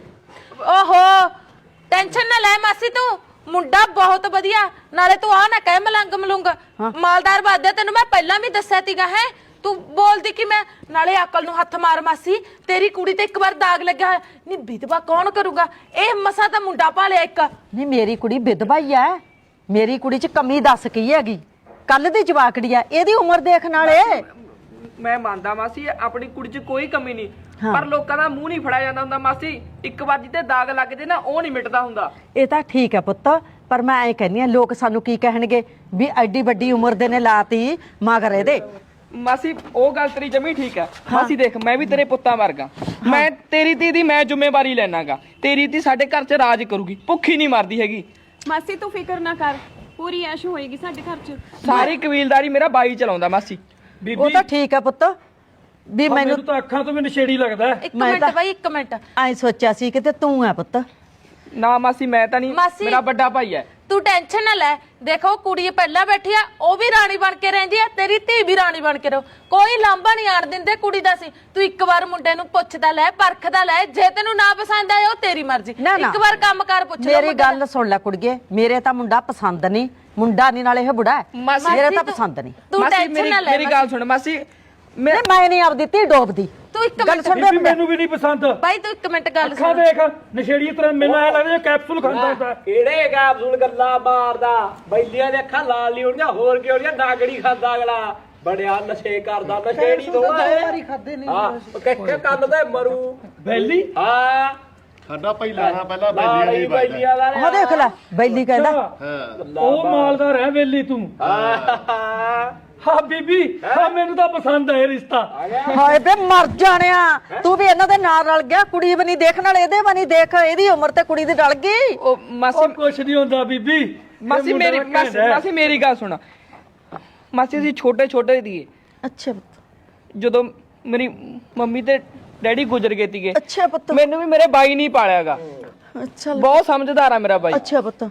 S4: ਓਹੋ ਟੈਨਸ਼ਨ ਨਾ ਲੈ ਮਾਸੀ ਤੂੰ ਮੁੰਡਾ ਬਹੁਤ ਵਧੀਆ ਨਾਲੇ ਤੂੰ ਆ ਨਾ ਕਹਿ ਮਲੰਗ ਮਲੁੰਗ ਮਾਲਦਾਰ ਬਾਦਿਆ ਤੈਨੂੰ ਮੈਂ ਪਹਿਲਾਂ ਵੀ ਦੱਸਿਆ ਸੀਗਾ ਹੈ ਤੂੰ ਬੋਲਦੀ ਕਿ ਮੈਂ ਨਾਲੇ ਅਕਲ ਨੂੰ ਹੱਥ ਮਾਰ ਮਾਸੀ ਤੇਰੀ ਕੁੜੀ ਤੇ ਇੱਕ ਵਾਰ ਦਾਗ ਲੱਗਿਆ ਨਹੀਂ ਵਿਧਵਾ ਕੌਣ ਕਰੂਗਾ ਇਹ ਮਸਾ ਤਾਂ ਮੁੰਡਾ ਭਾਲਿਆ ਇੱਕ
S6: ਨਹੀਂ ਮੇਰੀ ਕੁੜੀ ਵਿਧਵਾ ਹੀ ਐ ਮੇਰੀ ਕੁੜੀ 'ਚ ਕਮੀ ਦੱਸ ਕੀ ਹੈਗੀ ਕੱਲ ਦੀ ਜਵਾਕੜੀ ਐ ਇਹਦੀ ਉਮਰ ਦੇਖਣ ਵਾਲੇ
S1: ਮੈਂ ਮੰਨਦਾ ਮਾਸੀ ਆਪਣੀ ਕੁੜੀ 'ਚ ਕੋਈ ਕਮੀ ਨਹੀਂ ਪਰ ਲੋਕਾਂ ਦਾ ਮੂੰਹ ਨਹੀਂ ਫੜਿਆ ਜਾਂਦਾ ਹੁੰਦਾ ਮਾਸੀ ਇੱਕ ਵਾਰ ਜਿੱਤੇ ਦਾਗ ਲੱਗ ਜੇ ਨਾ ਉਹ ਨਹੀਂ ਮਿਟਦਾ ਹੁੰਦਾ
S6: ਇਹ ਤਾਂ ਠੀਕ ਹੈ ਪੁੱਤ ਪਰ ਮੈਂ ਐ ਕਹਿੰਦੀ ਆ ਲੋਕ ਸਾਨੂੰ ਕੀ ਕਹਿਣਗੇ ਵੀ ਐਡੀ ਵੱਡੀ ਉਮਰ ਦੇ ਨੇ ਲਾਤੀ ਮਗਰ ਇਹਦੇ
S1: ਮਾਸੀ ਉਹ ਗੱਲ ਤੇਰੀ ਜਮੀ ਠੀਕ ਹੈ ਮਾਸੀ ਦੇਖ ਮੈਂ ਵੀ ਤੇਰੇ ਪੁੱਤਾਂ ਵਰਗਾ ਮੈਂ ਤੇਰੀ ਧੀ ਦੀ ਮੈਂ ਜ਼ਿੰਮੇਵਾਰੀ ਲੈਣਾਗਾ ਤੇਰੀ ਧੀ ਸਾਡੇ ਘਰ 'ਚ ਰਾਜ ਕਰੂਗੀ ਭੁੱਖੀ ਨਹੀਂ ਮਰਦੀ ਹੈਗੀ
S7: ਮਾਸੀ ਤੂੰ ਫਿਕਰ ਨਾ ਕਰ ਪੂਰੀ ਐਸ਼ ਹੋਏਗੀ ਸਾਡੇ ਘਰ 'ਚ
S1: ਸਾਰੀ ਕਬੀਲਦਾਰੀ ਮੇਰਾ ਬਾਈ ਚਲਾਉਂਦਾ ਮਾਸੀ
S6: ਉਹ
S5: ਬੀਬੀ
S6: ਤਾਂ ਠੀਕ ਹੈ ਪੁੱਤ ਵੀ ਮੈਨੂੰ
S5: ਮੈਨੂੰ ਤਾਂ ਅੱਖਾਂ ਤੋਂ ਵੀ ਨਸ਼ੇੜੀ ਲੱਗਦਾ ਹੈ।
S4: ਇੱਕ
S6: ਮੈਂ
S4: ਮਿੰਟ
S6: ਤਾਂ-
S4: ਬਾਈ ਇੱਕ ਮਿੰਟ
S6: ਐ ਸੋਚਿਆ ਸੀ ਕਿ ਤੇ ਤੂੰ ਹੈ ਪੁੱਤ
S1: ਨਾ ਮਾਸੀ ਮੈਂ ਤਾਂ ਨਹੀਂ
S4: ਮਾਸੀ-
S1: ਮੇਰਾ ਵੱਡਾ ਭਾਈ ਹੈ
S4: ਤੂੰ ਟੈਨਸ਼ਨ ਨਾ ਲੈ ਦੇਖੋ ਕੁੜੀ ਪਹਿਲਾਂ ਬੈਠੀ ਆ ਉਹ ਵੀ ਰਾਣੀ ਬਣ ਕੇ ਰਹਿੰਦੀ ਆ ਤੇਰੀ ਧੀ ਵੀ ਰਾਣੀ ਬਣ ਕੇ ਰਹੋ ਕੋਈ ਲਾਂਭਾ ਨਹੀਂ ਆਣ ਦਿੰਦੇ ਕੁੜੀ ਦਾ ਸੀ ਤੂੰ ਇੱਕ ਵਾਰ ਮੁੰਡੇ ਨੂੰ ਪੁੱਛਦਾ ਲੈ ਪਰਖਦਾ ਲੈ ਜੇ ਤੈਨੂੰ ਨਾ ਪਸੰਦ ਆਇਆ ਉਹ ਤੇਰੀ ਮਰਜ਼ੀ
S6: ਨਾ, ਨਾ।
S4: ਇੱਕ ਵਾਰ ਕੰਮ ਕਰ ਪੁੱਛ ਲੈ
S6: ਮੇਰੀ ਗੱਲ ਸੁਣ ਲੈ ਕੁੜੀਏ ਮੇਰੇ ਤਾਂ ਮੁੰਡਾ ਪਸੰਦ ਨਹੀਂ ਮੁੰਡਾ ਨਹੀਂ ਨਾਲੇ ਇਹ ਬੁੜਾ ਹੈ
S1: ਮਾਸੀ-
S6: ਮੇਰੇ ਤਾਂ ਪਸੰਦ ਨਹੀਂ
S4: ਤੂੰ
S1: ਮਾਸੀ
S4: ਟੈਨਸ਼ਨ ਨਾ ਲੈ
S1: ਮੇਰੀ ਗੱਲ ਸੁਣ ਮਾਸੀ
S6: ਮੈਂ ਨਹੀਂ ਆਪਦੀ ਧੀ ਡੋਬਦੀ
S4: ਤੂੰ ਇੱਕ
S6: ਗੱਲ
S4: ਮਿੰਟ
S6: ਸੁਣ
S5: ਬੀਬੀ ਮੈਨੂੰ ਵੀ ਨਹੀਂ ਪਸੰਦ।
S4: ਬਾਈ ਤੂੰ ਇੱਕ ਮਿੰਟ ਗੱਲ
S5: ਅੱਖਾਂ
S4: ਸੁਣ।
S5: ਦੇਖ ਨਸ਼ੇੜੀ ਤਰ੍ਹਾਂ ਮੈਨੂੰ ਐ ਲੱਗਦਾ ਕੈਪਸੂਲ ਖਾਂਦਾ ਹੁੰਦਾ।
S2: ਕਿਹੜੇ ਕੈਪਸੂਲ ਗੱਲਾਂ ਮਾਰਦਾ ਬੈਲੀਆਂ ਦੇ ਅੱਖਾਂ ਲਾਲ ਨਹੀਂ ਹੋਣੀਆਂ ਹੋਰ ਕੀ ਹੋਣੀਆਂ ਨਾਗੜੀ ਖਾਂਦਾ ਅਗਲਾ ਬੜਿਆ ਨਸ਼ੇ ਕਰਦਾ ਨਸ਼ੇੜੀ ਤੋਂ
S6: ਵਾਰੀ ਖਾਦੇ ਨਹੀਂ
S2: ਹਾਂ ਕਿੱਥੇ ਕੰਨ ਤੇ ਮਰੂ
S5: ਬੈਲੀ
S2: ਹਾਂ
S3: ਸਾਡਾ ਪਹਿਲਾਂ ਬੈਲੀਆਂ ਦੀ ਵੱਜਦਾ
S2: ਬੈਲੀਆਂ ਦਾ
S6: ਉਹ ਦੇਖ ਲੈ ਬੈਲੀ ਕਹਿੰਦਾ
S5: ਉਹ ਮਾਲਦਾਰ ਹੈ ਬੈਲੀ ਤੂੰ। ਹਾਂ ਬੀਬੀ ਹਾਂ ਮੈਨੂੰ ਤਾਂ ਪਸੰਦ ਹੈ ਇਹ ਰਿਸ਼ਤਾ।
S6: ਹਾਏ ਬੇ ਮਰ ਜਾਣਿਆ ਤੂੰ ਵੀ ਇਹਨਾਂ ਦੇ ਨਾਲ ਰਲ ਗਿਆ ਕੁੜੀ ਵੀ ਨਹੀਂ ਦੇਖਣ ਵਾਲੇ ਇਹਦੇ ਵੀ ਨਹੀਂ ਦੇਖ ਇਹਦੀ ਉਮਰ ਤੇ ਕੁੜੀ ਦੀ ਰਲ ਗਈ
S1: ਉਹ ਮਾਸੀ
S5: ਉਹ ਕੁਛ ਨਹੀਂ ਹੁੰਦਾ ਬੀਬੀ।
S1: ਮਾਸੀ ਮੇਰੀ ਮਾਸੀ ਮੇਰੀ ਗੱਲ ਸੁਣਾ। ਮਾਸੀ ਅਸੀਂ ਛੋਟੇ ਦੀਏ
S6: ਅੱਛਾ
S1: ਜਦੋਂ ਮੇਰੀ ਮੰਮੀ ਤੇ ਡੈਡੀ ਗੁਜ਼ਰ ਗਏ ਸੀਗੇ
S6: ਅੱਛਾ ਪੁੱਤ
S1: ਮੈਨੂੰ ਵੀ ਮੇਰੇ ਬਾਈ ਨਹੀਂ ਪਾਲਿਆਗਾ।
S6: ਅੱਛਾ
S1: ਬਹੁਤ ਸਮਝਦਾਰ ਆ ਮੇਰਾ ਬਾਈ।
S6: ਅੱਛਾ ਪੁੱਤ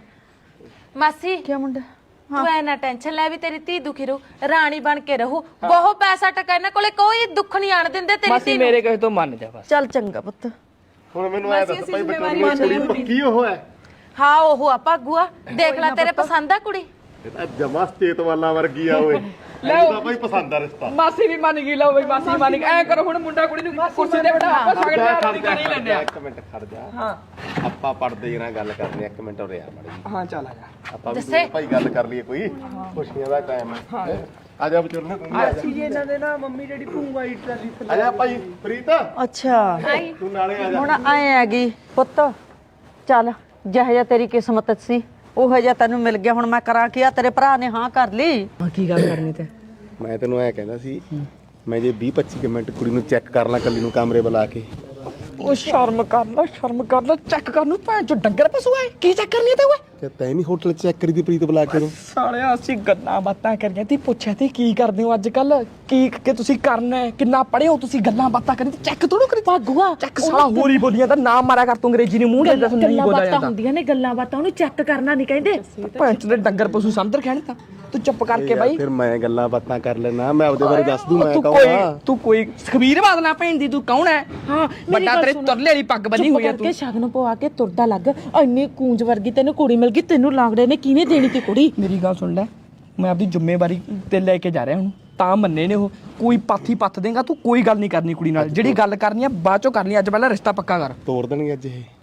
S4: ਮਾਸੀ
S6: ਕੀ ਮੁੰਡਾ
S4: ਤੂੰ ਐ ਨਾ ਟੈਨਸ਼ਨ ਲੈ ਵੀ ਤੇਰੀ ਧੀ ਦੁਖੀ ਰਹੂ ਰਾਣੀ ਬਣ ਕੇ ਰਹੂ ਬਹੁਤ ਪੈਸਾ ਟਕਾ ਇਹਨਾਂ ਕੋਲੇ ਕੋਈ ਦੁੱਖ ਨਹੀਂ ਆਣ ਦਿੰਦੇ ਤੇਰੀ
S1: ਮਾਸੀ
S4: ਧੀ ਨੂੰ।
S1: ਮੇਰੇ ਕਹੇ ਤੋਂ ਮੰਨ ਜਾ ਬਸ।
S6: ਚੱਲ ਚੰਗਾ ਪੁੱਤ
S3: ਹੁਣ ਮੈਨੂੰ ਐ ਦੱਸ ਭਾਈ ਬਚੋਲੀ ਕੀ ਉਹ ਹੈ?
S4: ਹਾਂ ਉਹ ਆ ਭਾਗੂਆ ਦੇਖ ਲੈ ਤੇਰੇ ਪਸੰਦ ਆ ਕੁੜੀ।
S3: ਇਹ ਤਾਂ ਜਮਾ ਸਟੇਟ ਵਾਲਾ ਵਰਗੀ ਆ ਓਏ ਇਹਦਾ ਭਾਈ ਪਸੰਦ ਆ ਰਿਸ਼ਤਾ।
S1: ਮਾਸੀ ਵੀ ਮੰਨ ਗਈ ਲਓ ਬਈ ਮਾਸੀ ਮੰਨ ਗਈ। ਐ ਕਰੋ ਹੁਣ ਮੁੰਡਾ ਕੁੜੀ ਨੂੰ ਕੁਰਸੀ ਤੇ ਬਿਠਾ ਆਪਾਂ ਸਾਗਰ ਦੇ ਨਹੀਂ ਲੈਣੇ ਆ।
S3: ਇੱਕ ਮਿੰਟ ਖੜ ਜਾ
S1: ਹਾਂ
S3: ਆਪਾਂ ਪੜਦੇ ਨਾਲ ਗੱਲ ਕਰਨੀ ਇੱਕ ਮਿੰਟ ਉਰੇ ਆ ਮੜੀ
S1: ਹਾਂ ਚੱਲ ਆ ਜਾ।
S3: ਆਪਾਂ ਵੀ ਦੋਵੇਂ ਭਾਈ ਗੱਲ ਕਰ ਲਈਏ ਕੋਈ ਖੁਸ਼ੀਆਂ ਦਾ ਟਾਈਮ ਹੈ ਆ ਜਾ ਬਚੋਲਨੇ ਤੂੰ ਵੀ ਆ ਜਾ
S2: ਜੀ ਇਹਨਾਂ ਦੇ ਨਾ ਮੰਮੀ ਡੈਡੀ ਭੂੰਗਾ ਹੀ ਟਰਾਲੀ
S3: ਆ ਜਾ ਭਾਈ ਪ੍ਰੀਤ
S6: ਅੱਛਾ
S3: ਤੂੰ ਨਾਲੇ ਆ ਜਾ
S6: ਹੁਣ ਆਏ ਹੈਗੀ ਪੁੱਤ ਚੱਲ ਜਿਹੋ ਜਿਹਾ ਤੇਰੀ ਕਿਸਮਤ ਸੀ ਉਹ ਜਿਹਾ ਤੈਨੂੰ ਮਿਲ ਗਿਆ ਹੁਣ ਮੈਂ ਕਰਾਂ ਕੀ ਆ ਤੇਰੇ ਭਰਾ ਨੇ ਹਾਂ ਕਰ ਲਈ
S1: ਕੀ ਗੱਲ ਕਰਨੀ ਤੇ
S3: ਮੈਂ ਤੈਨੂੰ ਐ ਕਹਿੰਦਾ ਸੀ ਮੈਂ ਜੇ 20-25 ਮਿੰਟ ਕੁੜੀ ਨੂੰ ਚੈੱਕ ਕਰ ਲਾਂ ਕੱਲੀ ਨੂੰ ਕਮਰੇ ਬੁਲਾ ਕੇ
S1: ਉਹ ਸ਼ਰਮ ਕਰ ਲੈ ਚੈੱਕ ਕਰ ਨੂੰ ਭੈਣ ਚੋ ਡੰਗਰ ਪਸ਼ੂ ਆਏ ਕੀ ਚੈੱਕ ਕਰਨੀ ਤੇ ਓਏ
S3: ਤੇ ਤੈਂ ਨਹੀਂ ਹੋਟਲ ਚੈੱਕ ਕਰੀ ਦੀ ਪ੍ਰੀਤ ਬੁਲਾ ਕੇ ਨੂੰ
S1: ਸਾਲਿਆ ਅਸੀਂ ਗੱਲਾਂ ਬਾਤਾਂ ਕਰੀਆਂ ਤੀ ਪੁੱਛਿਆ ਤੀ ਕੀ ਕਰਦੇ ਹੋ ਅੱਜ ਕੱਲ ਕੀ ਕਿ ਤੁਸੀਂ ਕਰਨਾ ਹੈ ਕਿੰਨਾ ਪੜ੍ਹੇ ਹੋ ਤੁਸੀਂ ਗੱਲਾਂ ਬਾਤਾਂ ਕਰੀ ਤੇ ਚੈੱਕ ਥੋੜੋ ਕਰੀ ਭਾਗੂਆ ਚੈੱਕ ਸਾਲਾ ਹੋਰ ਹੀ ਬੋਲੀਆਂ ਤਾਂ ਨਾਮ ਮਾਰਿਆ ਕਰ ਤੂੰ ਅੰਗਰੇਜ਼ੀ ਨੂੰ ਮੂੰਹ ਦੇ ਦੱਸ ਨਹੀਂ ਬੋਲਿਆ ਜਾਂਦਾ
S6: ਹੁੰਦੀਆਂ ਨੇ ਗੱਲਾਂ ਬਾਤਾਂ ਉਹਨੂੰ ਚੈੱਕ ਕਰਨਾ ਨਹੀਂ ਕਹਿੰਦੇ
S1: ਭੈਣ ਚੋ ਦੇ ਡੰਗਰ ਪਸ਼ੂ ਸਮਝਰ ਕਹਿਣ ਤਾਂ ਤੂੰ ਚੁੱਪ ਕਰਕੇ ਬਾਈ
S3: ਫਿਰ ਮੈਂ ਗੱਲਾਂ ਬਾਤਾਂ ਕਰ ਲੈਣਾ ਮੈਂ ਆਪਦੇ ਬਾਰੇ ਦੱਸ ਦੂੰ ਮੈਂ
S1: ਤੂੰ ਕੋਈ ਖਬੀਰ ਬਾਦਨਾ ਭੈਣ ਦੀ ਤੂੰ ਕੌਣ ਹੈ
S6: ਹਾਂ
S1: ਵੱਡਾ ਤੇਰੇ ਤੁਰਲੇ ਵਾਲੀ ਪੱਗ ਬੰਨੀ ਹੋਈ ਆ ਤੂੰ
S6: ਸ਼ਗਨ ਪਵਾ ਕੇ ਤੁਰਦਾ ਲੱਗ ਇੰਨੀ ਕੂੰਜ ਵਰਗੀ ਤੈਨੂੰ ਕੁੜੀ ਮਿਲ ਗਈ ਤੈਨੂੰ ਲਾਂਗੜੇ ਨੇ ਕਿਹਨੇ ਦੇਣੀ ਤੀ ਕੁੜੀ
S1: ਮੇਰੀ ਗੱਲ ਸੁਣ ਲੈ ਮੈਂ ਆਪਦੀ ਜ਼ਿੰਮੇਵਾਰੀ ਤੇ ਲੈ ਕੇ ਜਾ ਰਿਹਾ ਹੁਣ ਤਾਂ ਮੰਨੇ ਨੇ ਉਹ ਕੋਈ ਪਾਥੀ ਪੱਥ ਦੇਗਾ ਤੂੰ ਕੋਈ ਗੱਲ ਨਹੀਂ ਕਰਨੀ ਕੁੜੀ ਨਾਲ ਜਿਹੜੀ ਗੱਲ ਕਰਨੀ ਆ ਬਾਅਦ ਚੋਂ ਕਰਨੀ ਅੱਜ ਪਹਿਲਾਂ ਰਿਸ਼ਤਾ ਪੱਕਾ ਕਰ
S3: ਤੋੜ ਦੇਣਗੇ ਅੱਜ ਇਹ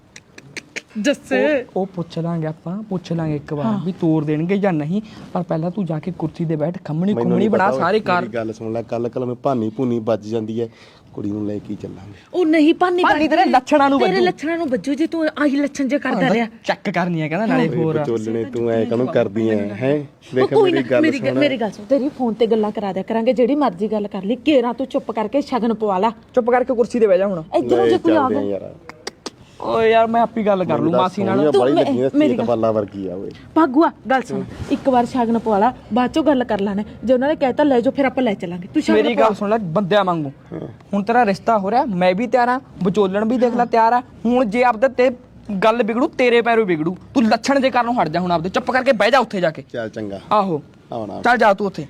S1: ਜੱਸੇ ਉਹ ਪੁੱਛ ਲਾਂਗੇ ਇੱਕ ਵਾਰ ਵੀ ਤੋੜ ਦੇਣਗੇ ਜਾਂ ਨਹੀਂ ਪਰ ਪਹਿਲਾਂ ਤੂੰ ਜਾ ਕੇ ਕੁਰਸੀ ਤੇ ਬੈਠ ਖੰਮਣੀ ਬਣਾ ਸਾਰੇ ਕਾਰ
S3: ਮੇਰੀ ਗੱਲ ਸੁਣ ਲੈ ਕੱਲ ਨੂੰ ਭਾਨੀ ਭੂਨੀ ਵੱਜ ਜਾਂਦੀ ਹੈ ਕੁੜੀ ਨੂੰ ਲੈ ਕੇ ਚੱਲਾਂਗੇ
S6: ਉਹ ਨਹੀਂ ਭਾਨੀ
S1: ਤੇਰੇ ਲੱਛਣਾਂ ਨੂੰ
S6: ਤੇਰੇ ਲੱਛਣਾਂ ਨੂੰ ਵੱਜੂ ਜੇ ਤੂੰ ਆਹੀ ਲੱਛਣ ਜੇ ਕਰਦਾ ਰਿਹਾ
S1: ਚੈੱਕ ਕਰਨੀ ਆ ਕਹਿੰਦਾ ਨਾਲੇ ਹੋਰ
S3: ਵਿਚੋਲਣੇ ਤੂੰ ਐ ਕਾਹਨੂੰ ਕਰਦੀ ਐ ਹੈ ਵੇਖ
S6: ਕੋਈ
S3: ਮੇਰੀ
S6: ਨਾ
S3: ਗੱਲ ਸੁਣ
S6: ਮੇਰੀ ਗੱਲ ਸੁਣ ਤੇਰੀ ਫੋਨ ਤੇ ਗੱਲਾਂ ਕਰਾ ਦਿਆ ਕਰਾਂਗੇ ਜਿਹੜੀ ਮਰਜ਼ੀ ਗੱਲ ਕਰ ਲਈ ਕੇਰਾ ਤੂੰ ਚੁੱਪ ਕਰਕੇ ਸ਼ਗਨ ਪਵਾ ਲੈ
S1: ਚੁੱਪ ਕਰਕੇ ਕੁਰਸੀ ਤੇ ਬਹਿ ਜਾ ਹੁਣ
S6: ਇਧਰੋਂ ਜੇ ਕੋਈ ਆ ਗਿਆ
S3: ਯਾਰ
S1: ਓਏ ਯਾਰ ਮੈਂ ਆਪੀ ਗੱਲ ਕਰ ਲੂ ਮਾਸੀ ਨਾਲ
S3: ਬੜੀ ਲੱਗੀ ਐ ਸਟੇਟ ਵਾਲਾ ਵਰਗੀ ਆ ਓਏ
S6: ਭਾਗੂਆ ਗੱਲ ਸੁਣ ਇੱਕ ਵਾਰ ਸ਼ਗਨ ਪਵਾ ਲਾ ਬਾਅਦ ਚੋਂ ਗੱਲ ਕਰ ਲਾਣੇ ਜੇ ਉਹਨਾਂ ਨੇ ਕਹਿਤਾ ਲੈ ਜਾਓ ਫਿਰ ਆਪਾਂ ਲੈ ਚੱਲਾਂਗੇ ਤੂੰ
S1: ਮੇਰੀ ਗੱਲ ਸੁਣ ਲੈ ਬੰਦਿਆਂ ਵਾਂਗੂ ਹੁਣ ਤੇਰਾ ਰਿਸ਼ਤਾ ਹੋ ਰਿਹਾ ਮੈਂ ਵੀ ਤਿਆਰ ਆ ਵਿਚੋਲਣ ਵੀ ਦੇਖ ਲੈ ਤਿਆਰ ਆ ਹੁਣ ਜੇ ਆਪਦੇ ਤੇ ਗੱਲ ਵਿਗੜੂ ਤੇਰੇ ਪੈਰੋਂ ਵਿਗੜੂ ਤੂੰ ਲੱਛਣ ਜੇ ਕਰਨੋਂ ਹਟ ਜਾ ਹੁਣ ਆਪਦੇ ਚੁੱਪ ਕਰਕੇ ਬਹਿ ਜਾ ਉੱਥੇ ਜਾ ਕੇ
S3: ਚੱਲ ਚੰਗਾ
S1: ਆਹੋ
S3: ਆਉਣਾ
S1: ਚੱਲ ਜਾ ਤੂੰ ਉੱਥੇ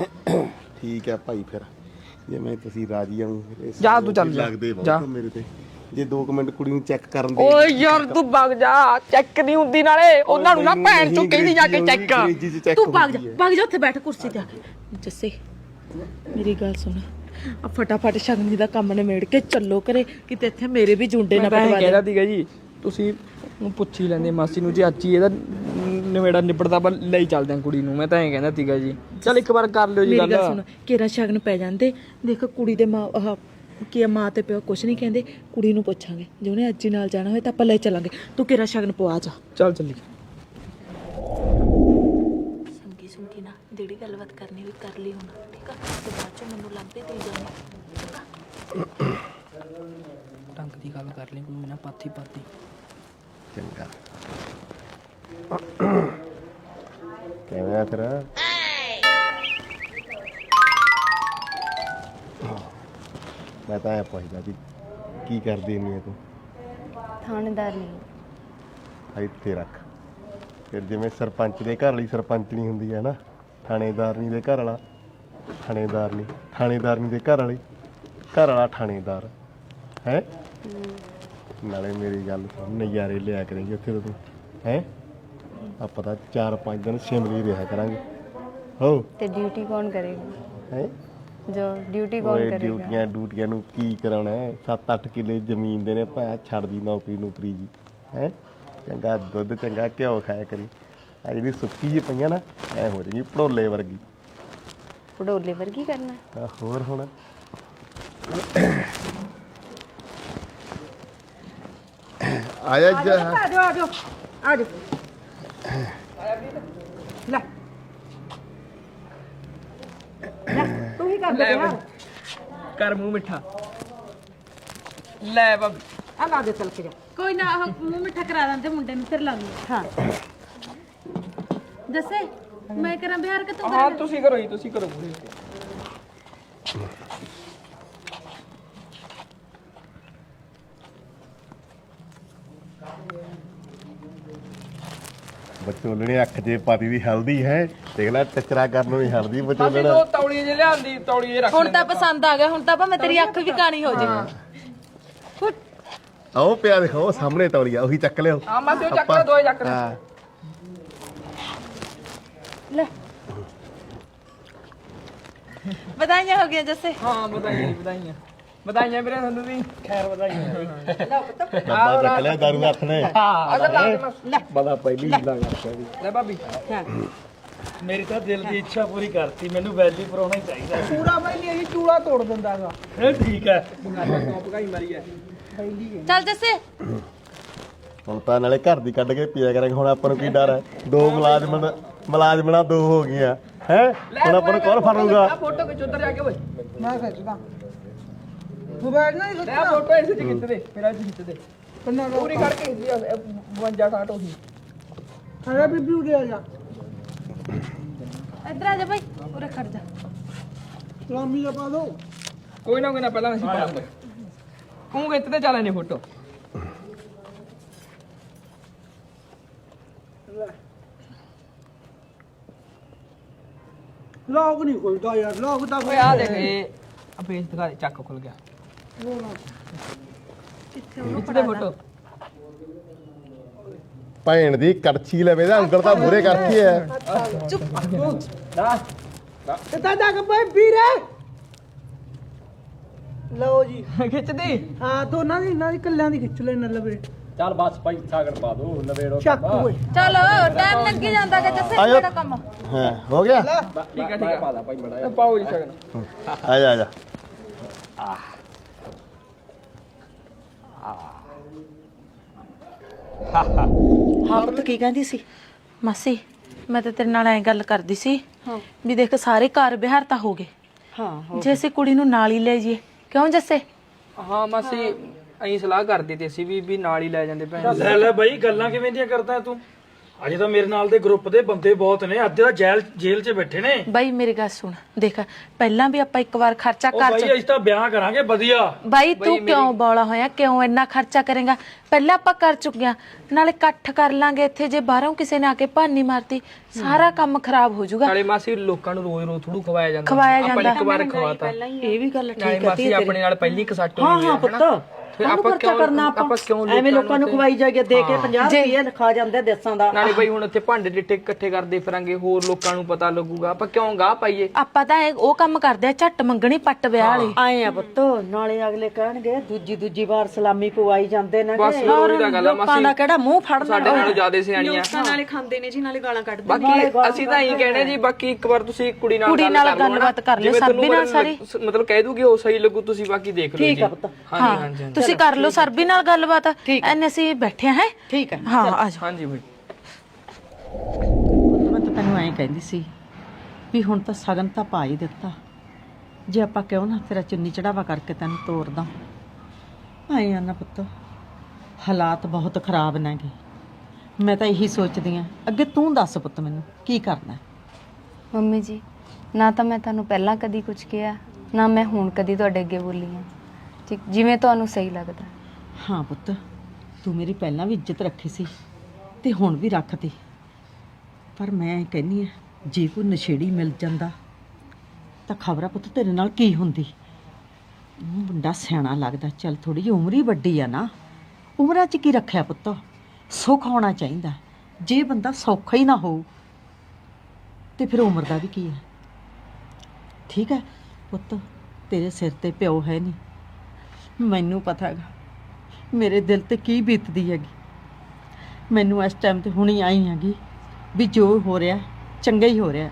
S3: ਠੀਕ ਹੈ ਭਾਈ ਫਿਰ ਜੇ ਮੈਂ ਤੁਸੀਂ ਰਾਜੀ ਆਉਂ
S1: ਜਾ ਤੂੰ ਚੱਲ ਜਾ
S3: ਲੱਗਦੇ
S1: ਜਾ
S3: ਬਹੁਤ ਮੇਰੇ ਤੇ ਜੇ 2 ਮਿੰਟ ਕੁੜੀ ਨੂੰ ਚੈੱਕ ਕਰਨ ਦੇ
S1: ਓਏ ਯਾਰ ਤੂੰ ਭੱਗ ਜਾ ਚੈੱਕ ਨਹੀਂ ਹੁੰਦੀ ਨਾਲੇ ਉਹਨਾਂ ਨੂੰ ਨਾ ਭੈਣ ਚੋਂ ਕਹਿੰਦੀ ਜਾ ਕੇ ਚੈੱਕ
S6: ਤੂੰ ਭਾਗ ਜਾ ਉੱਥੇ ਬੈਠ ਕੁਰਸੀ ਤੇ ਆ ਕੇ ਜੱਸੇ ਮੇਰੀ ਗੱਲ ਸੁਣ ਆ ਫਟਾਫਟ ਸ਼ਗਨ ਦਾ ਕੰਮ ਨਿਬੇੜ ਕੇ ਚੱਲੋ ਕਰੇ ਕਿਤੇ ਇੱਥੇ ਮੇਰੇ ਵੀ ਜੁੰਡੇ ਨਾ ਪਟਵਾ ਦੇ
S1: ਕਹਿੰਦਾ ਸੀਗਾ ਜੀ ਤੁਸੀਂ ਪੁੱਛ ਹੀ ਲੈਂਦੇ ਮਾਸੀ ਨੂੰ ਜੇ ਅੱਜ ਹੀ ਇਹਦਾ ਨਵੇੜਾ ਨਿਬੜਦਾ ਪਰ ਲਈ ਚੱਲਦੇ ਆ ਕੁੜੀ ਨੂੰ ਮੈਂ ਤਾਂ ਐਂ ਕਹਿੰਦਾ ਸੀਗਾ ਜੀ ਚੱਲ ਇੱਕ ਵਾਰ ਕਰ ਲਿਓ ਜੀ
S6: ਮੇਰੀ ਗੱਲ ਸੁਣ ਕੇਰਾ ਸ਼ਗਨ ਪੈ ਜਾਂਦੇ ਦੇਖ ਕੁੜੀ ਦੇ ਮਾਂ ਕੀ ਮਾਂ ਤੇ ਪਿਓ ਕੁਛ ਨਹੀਂ ਕਹਿੰਦੇ ਕੁੜੀ ਨੂੰ ਪੁੱਛਾਂਗੇ ਜੇ ਉਹਨੇ ਅੱਜ ਹੀ ਨਾਲ ਜਾਣਾ ਹੋਏ ਤਾਂ ਆਪਾਂ ਲੈ ਚੱਲਾਂਗੇ ਤੂੰ ਕੇਰਾ ਸ਼ਗਨ ਪਵਾ ਜਾ
S1: ਚੱਲ ਚੱਲੀ
S4: ਸੰਗੀ ਨਾ ਜਿਹੜੀ ਗੱਲਬਾਤ ਕਰਨੀ ਵੀ ਕਰ ਲਈ ਹੁਣ ਠੀਕ ਆ ਤੇ ਬਾਅਦ ਚੋਂ ਮੈਨੂੰ ਲੱਭਦੇ ਤੇ ਜਾਣੀ
S1: ਢੰਗ ਦੀ ਗੱਲ ਕਰ ਲਈ ਕੋਈ ਨਾ ਪਾਥੀ
S3: ਚੰਗਾ ਕਿਵੇਂ ਆ ਤੇਰਾ ਮੈਂ ਤਾਂ ਇਹ ਪੁੱਛਦਾ ਵੀ ਕੀ ਕਰਦੀ ਨਹੀਂ ਤੂੰ
S8: ਥਾਣੇਦਾਰ ਨਹੀਂ
S3: ਇੱਥੇ ਰੱਖ ਫਿਰ ਜਿਵੇਂ ਸਰਪੰਚ ਦੇ ਘਰ ਵਾਲੀ ਸਰਪੰਚਣੀ ਹੁੰਦੀ ਹੈ ਨਾ ਥਾਣੇਦਾਰਨੀ ਦੇ ਘਰ ਵਾਲਾ ਥਾਣੇਦਾਰਨੀ ਦੇ ਘਰ ਵਾਲਾ ਥਾਣੇਦਾਰ ਹੈ ਨਾਲੇ ਮੇਰੀ ਗੱਲ ਸੁਣ ਨਜ਼ਾਰੇ ਲਿਆ ਕਰੇਂਗੇ ਉੱਥੇ ਤੂੰ ਹੈ ਆਪਾਂ ਤਾਂ 4-5 ਦਿਨ ਸ਼ਿਮਲੇ ਰਿਹਾ ਕਰਾਂਗੇ ਹੋ
S8: ਤੇ ਡਿਊਟੀ ਕੌਣ ਕਰੇਗਾ
S3: ਹੈ
S8: जो ड्यूटी कौन
S3: ਓਏ
S8: करेगा?
S3: ਡਿਊਟੀਆਂ ਨੂੰ ਕੀ ਕਰਾਉਣਾ ਹੈ? 7-8 ਕਿੱਲੇ ਜ਼ਮੀਨ ਦੇ ਨੇ ਭਾਂ ਛੱਡਦੀ ਨੌਕਰੀ ਜੀ ਹੈ। ਚੰਗਾ ਦੁੱਧ ਚੰਗਾ ਘਿਓ ਖਾਇਆ ਕਰੀ। ਆ ਜਿਹੜੀ ਸੁੱਕੀ ਜੀ ਪਈਆਂ ਨਾ ਐ ਹੋ ਜਾਏਗੀ ਭੜੋਲੇ ਵਰਗੀ।
S8: पड़ोले वर्गी करना?
S3: ਤਾਂ ਹੋਰ ਹੁਣ ਆਇਆ ਜਾ
S1: ਲੈ ਬਈ ਕਰ ਮੂੰਹ ਮਿੱਠਾ ਲੈ ਬਾਬੀ
S4: ਕੋਈ ਨਾ ਆਹ ਮੂੰਹ ਮਿੱਠਾ ਕਰਾ ਦਿੰਦੇ ਮੁੰਡੇ ਨੂੰ ਫਿਰ ਲਾਉਂਗੀ ਹਾਂ ਦੱਸੇ ਮੈਂ ਕਰਾਂ ਬਿਹਾਰ ਕਿ ਤੂੰ
S1: ਹਾਂ ਤੁਸੀਂ ਕਰੋ ਜੀ ਤੁਸੀਂ ਕਰੋ ਪੂਰੀ
S3: ਬਚੋਲਣੇ ਅੱਖ ਜੇ ਪਾਤੀ ਦੀ ਹਲਦੀ ਹੈ। ਦੇਖ ਲੈ ਟਚਰਾ ਕਰਨ ਨੂੰ ਵੀ ਹਲਦੀ
S1: ਬਾਬੀ
S3: ਬਚੋਲਣਾ।
S1: ਦੋ ਤੌਲੀਏ ਜੇ ਲਿਆਂਦੀ ਤੌਲੀਏ ਰੱਖ
S4: ਹੁਣ ਤਾਂ ਪਸੰਦ ਆ ਗਿਆ ਹੁਣ ਤਾਂ ਭਾਵੇਂ ਤੇਰੀ ਅੱਖ ਵੀ ਕਾਣੀ ਹੋ ਜੇ
S3: ਆਓ ਪਿਆ ਦਿਖਾਓ ਸਾਹਮਣੇ ਤੌਲੀਆ ਉਹੀ ਚੱਕ ਲਿਓ।
S1: ਆ ਮਾਸੀ ਉਹ ਚੱਕ ਲੈ ਦੋਏ ਚੱਕ ਲੈ
S3: ਹਾਂ
S4: ਵਧਾਈਆਂ ਹੋ ਗਈਆਂ ਜੱਸੇ
S1: ਹਾਂ ਵਧਾਈਆਂ ਜੀ, ਵਧਾਈਆਂ ਵਧਾਈਆਂ ਵੀਰੇ ਤੁਹਾਨੂੰ ਵੀ ਖੈਰ ਵਧਾਈਆਂ
S3: ਡੱਬਾ ਚੱਕ ਲਿਆ ਦਾਰੂ ਦਾ ਹੱਥ ਨੇ।
S1: ਅਗਰ ਲਾ
S3: ਬੜਾ ਪਹਿਲੀ ਹੀਲਾ ਕਰਦਾ ਵੀ।
S1: ਲੈ ਬਾਬੀ
S5: ਮੇਰੀ ਤਾਂ ਦਿਲ ਦੀ ਇੱਛਾ ਪੂਰੀ ਕਰਤੀ ਮੈਨੂੰ ਵੈਲੀ ਪਰਾਉਣਾ ਹੀ ਚਾਹੀਦਾ
S1: ਪੂਰਾ ਬਈ ਇਹ ਚੂੜਾ ਤੋੜ ਦਿੰਦਾਗਾ
S5: ਇਹ ਠੀਕ ਹੈ
S1: ਭਗਾਈ ਮਾਰੀ ਐ
S4: ਚੱਲ ਜੱਸੇ
S3: ਹੁਣ ਤਾਂ ਨਾਲੇ ਘਰ ਦੀ ਕੱਢ ਕੇ ਪੀਆ ਕਰਾਂਗੇ। ਹੁਣ ਆਪਾਂ ਨੂੰ ਕੀ ਡਰ ਹੈ? ਦੋ ਮੁਲਾਜ਼ਮਾਂ ਦੋ ਹੋ ਗਈਆਂ ਹੈ। ਹੁਣ ਆਪਾਂ ਨੂੰ ਕੌਣ ਫੜੂਗਾ?
S1: ਫੋਟੋ ਖਿੱਚ ਉੱਧਰ ਜਾ ਕੇ ਓਏ ਮੈਂ ਖਿੱਚਦਾ ਤੂੰ ਬੈਠ ਨਾ ਲੈ ਫੋਟੋ ਇਸੇ ਚ ਖਿੱਚ ਦੇ ਮੇਰਾ ਚ ਖਿੱਚ ਦੇ ਪੂਰੀ ਕਰਕੇ ਖਿੱਚ ਦੀ 52 60 ਹੋ ਗਈ ਅਰੇ ਬੀਬੀ ਉਰੇ ਆ ਜਾ
S4: ਇੱਧਰ ਆ ਜਾ ਭਾਈ ਉਰੇ ਖੜ ਜਾ
S1: ਸਲਾਮੀ ਦਾ ਪਾ ਦੋ ਕੋਈ ਨਾ ਪਹਿਲਾਂ ਅਸੀਂ ਪਾ ਲਾਂਗੇ ਤੂੰ ਖਿੱਚਦੇ ਚੱਲ ਨਹੀਂ ਫੋਟੋ
S2: ਲੋਕ ਨਹੀਂ ਖੁੱਲਦਾ ਯਾਰ ਲੋਕ ਤਾਂ
S1: ਓਏ ਆ ਦੇਖ ਇਹ ਆ ਪੇਜ ਦਿਖਾ ਦੇ ਚੱਕ ਖੁੱਲ ਗਿਆ ਖਿੱਚਦੇ ਫੋਟੋ
S3: ਭੈਣ ਦੀ ਕੜਛੀ ਲਵੇ ਦਾ ਉਂਗਲ ਤਾਂ ਮੂਰੇ ਕਰਤੀ ਹੈ।
S2: ਕਿੱਦਾਂ ਜਾ ਕੇ ਬਈ ਵੀਰੇ ਲਓ ਜੀ
S1: ਖਿੱਚਦੀ
S2: ਹਾਂ ਦੋਨਾਂ ਦੀ ਇਹਨਾਂ ਦੀ ਕੱਲਿਆਂ ਦੀ ਖਿੱਚ ਲੈਣ ਲਵੇ
S3: ਚੱਲ ਬਸ ਭਾਈ ਸਾਗਰ ਪਾ ਦੋ ਨਵੇੜੋ।
S2: ਚੱਕ ਓਏ
S4: ਚਲੋ ਟਾਈਮ ਲੱਗੀ ਜਾਂਦਾ ਕਿ ਜੱਸੇ
S3: ਆਇਓ।
S4: ਮੇਰਾ ਕੰਮ
S3: ਹਾਂ ਹੋ ਗਿਆ।
S1: ਠੀਕ ਹੈ ਪਾ ਲਾ ਭਾਈ ਬੜਾ ਪਾਓ ਜੀ ਸ਼ਗਨ
S3: ਆ ਜਾ ਆ ਜਾ।
S6: ਹਾਂ ਪੁੱਤ ਕੀ ਕਹਿੰਦੀ ਸੀ?
S4: ਮਾਸੀ ਮੈਂ ਤਾਂ ਤੇਰੇ ਨਾਲ ਐ ਗੱਲ ਕਰਦੀ ਸੀ ਵੀ ਦੇਖ ਸਾਰੇ ਘਰ ਬਿਹਾਰ ਤਾਂ ਹੋ ਗਏ
S6: ਹਾਂ
S4: ਜੇ ਅਸੀਂ ਕੁੜੀ ਨੂੰ ਨਾਲ ਹੀ ਲੈ ਜਾਈਏ ਕਿਉਂ ਜੱਸੇ
S1: ਹਾਂ ਮਾਸੀ ਅਸੀਂ ਸਲਾਹ ਕਰਦੇ ਤੇ ਅਸੀਂ ਵੀ ਨਾਲ ਹੀ ਲੈ ਜਾਂਦੇ ਭੈਣ
S5: ਲੈ ਲੈ ਬਈ ਗੱਲਾਂ ਕਿਵੇਂ ਦੀਆਂ ਕਰਦਾ ਤੂੰ ਅਜੇ ਤਾਂ ਮੇਰੇ ਨਾਲ ਦੇ ਗਰੁੱਪ ਦੇ ਬੰਦੇ ਬਹੁਤ ਨੇ ਅੱਜ ਤਾਂ ਜੇਲ੍ਹ 'ਚ ਬੈਠੇ ਨੇ
S4: ਬਾਈ ਮੇਰੀ ਗੱਲ ਸੁਣ ਦੇਖ ਪਹਿਲਾਂ ਵੀ ਆਪਾਂ ਇੱਕ ਵਾਰ ਖਰਚਾ
S5: ਉਹ
S4: ਕਰ
S5: ਬਾਈ ਅਸੀਂ ਤਾਂ ਵਿਆਹ ਕਰਾਂਗੇ ਵਧੀਆ
S4: ਬਾਈ ਤੂੰ ਕਿਉਂ ਬੋਲਾ ਹੋਇਆ ਕਿਉਂ ਇੰਨਾ ਖਰਚਾ ਕਰੇਗਾ ਪਹਿਲਾਂ ਆਪਾਂ ਕਰ ਚੁੱਕੇ ਆ ਨਾਲੇ ਇਕੱਠ ਕਰ ਲਾਂਗੇ ਇੱਥੇ ਜੇ ਬਾਹਰੋਂ ਕਿਸੇ ਨੇ ਆ ਕੇ ਭਾਨੀ ਮਾਰਤੀ ਸਾਰਾ ਕੰਮ ਖਰਾਬ ਹੋ ਜਾਊਗਾ
S1: ਨਾਲੇ ਮਾਸੀ ਲੋਕਾਂ ਨੂੰ ਰੋਜ਼ ਥੋੜੂ ਖਵਾਇਆ ਜਾਂਦਾ
S4: ਖਵਾਇਆ
S1: ਆਪਾਂ
S4: ਜਾਂਦਾ।
S1: ਇੱਕ ਵਾਰ ਖਵਾਤਾ
S6: ਇਹ ਵੀ ਗੱਲ
S1: ਨਾਲੇ
S6: ਠੀਕ ਹੈ
S1: ਮਾਸੀ ਆਪਣੇ ਨਾਲ ਪਹਿਲੀ ਕਸੱਟ
S6: ਹਾਂ
S1: ਹੋਈ
S6: ਹਾਂ
S1: ਹੈ
S6: ਪੁੱਤ
S1: ਫਿਰ ਆਪਾਂ ਕਿਉਂ ਆਪਾਂ ਕਿਉਂ
S6: ਐਵੇਂ ਲੋਕਾਂ ਨੂੰ ਖਵਾਈ ਜਾਈਏ ਦੇ ਕੇ 50 ਰੁਪਏ ਖਾ ਜਾਂਦੇ ਦੇਸਾਂ ਦਾ।
S1: ਨਾਲੇ ਬਈ ਹੁਣ ਇੱਥੇ ਭਾਂਡੇ ਡਿੱਟੇ ਇਕੱਠੇ ਕਰਦੇ ਫਿਰਾਂਗੇ ਹੋਰ ਲੋਕਾਂ ਨੂੰ ਪਤਾ ਲੱਗੂਗਾ ਆਪਾਂ ਕਿਉਂ ਗਾਹ ਪਾਈਏ
S4: ਆਪਾਂ ਤਾਂ ਉਹ ਕੰਮ ਕਰਦੇ ਆ ਝੱਟ ਮੰਗਣੀ ਪੱਟ ਵਿਆਹ ਵਾਲੀ
S6: ਆਏ ਆ ਪੁੱਤ ਨਾਲੇ ਅਗਲੇ ਕਹਿਣਗੇ ਦੂਜੀ ਵਾਰ ਸਲਾਮੀ ਪਵਾਈ ਜਾਂਦੇ ਨੇ
S1: ਬਸ ਉਹੀ ਤਾਂ ਗੱਲ ਆ
S6: ਲੋਕਾਂ ਦਾ ਕਿਹੜਾ ਮੂੰਹ ਫੜਨਾ
S1: ਸਾਡੇ ਨਾਲੋਂ ਜ਼ਿਆਦਾ ਸਿਆਣੀਆਂ
S7: ਨਾਲੇ ਖਾਂਦੇ ਨੇ ਜੀ ਨਾਲੇ ਗਾਲਾਂ ਕੱਢਦੇ
S1: ਬਾਕੀ ਅਸੀਂ ਤਾਂ ਇਹੀ ਕਹਿਣੇ ਜੀ ਬਾਕੀ ਇੱਕ ਵਾਰ ਤੁਸੀਂ ਕੁੜੀ ਨਾਲ
S4: ਗੱਲਬਾਤ ਕਰ ਲਿਓ ਸਰਬੀ ਨਾਲ ਸਾਰੀ
S1: ਮਤਲਬ ਕਹਿ ਦੂਗੀ ਉਹ ਸਹੀ ਲੱਗੂ ਤੁਸੀਂ ਬਾਕੀ ਦੇਖ ਲਓ ਜੀ
S6: ਠੀਕ ਆ ਪੁੱਤ
S1: ਹਾਂਜੀ ਹਾਂਜੀ
S4: ਤੁਸੀਂ ਕਰ ਲਓ ਸਰਬੀ ਨਾਲ ਗੱਲਬਾਤ ਐਨੇ ਅਸੀਂ ਬੈਠੇ ਹੈ
S6: ਠੀਕ ਹੈ
S4: ਹਾਂ ਆ ਜਾਓ
S1: ਹਾਂਜੀ ਬਈ
S6: ਮੈਂ ਤਾਂ ਤੈਨੂੰ ਐਂ ਕਹਿੰਦੀ ਸੀ ਵੀ ਹੁਣ ਤਾਂ ਸਗਨ ਤਾਂ ਪਾ ਹੀ ਦਿੱਤਾ ਜੇ ਆਪਾਂ ਕਿਉਂ ਨਾ ਤੇਰਾ ਚੁੰਨੀ ਚੜਾਵਾ ਕਰਕੇ ਤੈਨੂੰ ਤੋਰਦਾ ਆਏ ਆ ਨਾ ਪੁੱਤ ਹਾਲਾਤ ਬਹੁਤ ਖਰਾਬ ਨੇਗੇ ਮੈਂ ਤਾਂ ਇਹੀ ਸੋਚਦੀ ਆ ਅੱਗੇ ਤੂੰ ਦੱਸ ਪੁੱਤ ਮੈਨੂੰ ਕੀ ਕਰਨਾ
S8: ਮੰਮੀ ਜੀ ਨਾ ਤਾਂ ਮੈਂ ਤੁਹਾਨੂੰ ਪਹਿਲਾਂ ਕਦੀ ਕੁਝ ਕਿਹਾ ਨਾ ਮੈਂ ਹੁਣ ਕਦੀ ਤੁਹਾਡੇ ਅੱਗੇ ਬੋਲੀ ਹਾਂ ਠੀਕ ਜਿਵੇਂ ਤੁਹਾਨੂੰ ਸਹੀ ਲੱਗਦਾ
S6: ਹਾਂ ਪੁੱਤ ਤੂੰ ਮੇਰੀ ਪਹਿਲਾਂ ਵੀ ਇੱਜ਼ਤ ਰੱਖੀ ਸੀ ਤੇ ਹੁਣ ਵੀ ਰੱਖਦੀ ਪਰ ਮੈਂ ਕਹਿੰਨੀ ਆ ਜੇ ਕੋਈ ਨਸ਼ੇੜੀ ਮਿਲ ਜਾਂਦਾ ਤਾਂ ਖਬਰਾਂ ਪੁੱਤ ਤੇਰੇ ਨਾਲ ਕੀ ਹੁੰਦੀ ਉਹ ਮੁੰਡਾ ਸਿਆਣਾ ਲੱਗਦਾ ਚੱਲ ਥੋੜੀ ਜਿਹੀ ਉਮਰ ਹੀ ਵੱਡੀ ਆ ਨਾ ਉਮਰਾਂ 'ਚ ਕੀ ਰੱਖਿਆ ਪੁੱਤ ਸੁੱਖ ਹੋਣਾ ਚਾਹੀਦਾ ਜੇ ਬੰਦਾ ਸੌਖਾ ਹੀ ਨਾ ਹੋ ਤੇ ਫਿਰ ਉਮਰ ਦਾ ਵੀ ਕੀ ਹੈ ਠੀਕ ਹੈ ਪੁੱਤ ਤੇਰੇ ਸਿਰ ਤੇ ਪਿਓ ਹੈ ਨਹੀਂ। ਮੈਨੂੰ ਪਤਾ ਹੈਗਾ ਮੇਰੇ ਦਿਲ ਤੇ ਕੀ ਬੀਤਦੀ ਹੈਗੀ। ਮੈਨੂੰ ਇਸ ਟਾਈਮ ਤੇ ਹੁਣੀ ਆਈ ਹੈਗੀ ਵੀ ਜੋ ਹੋ ਰਿਹਾ ਚੰਗਾ ਹੀ ਹੋ ਰਿਹਾ।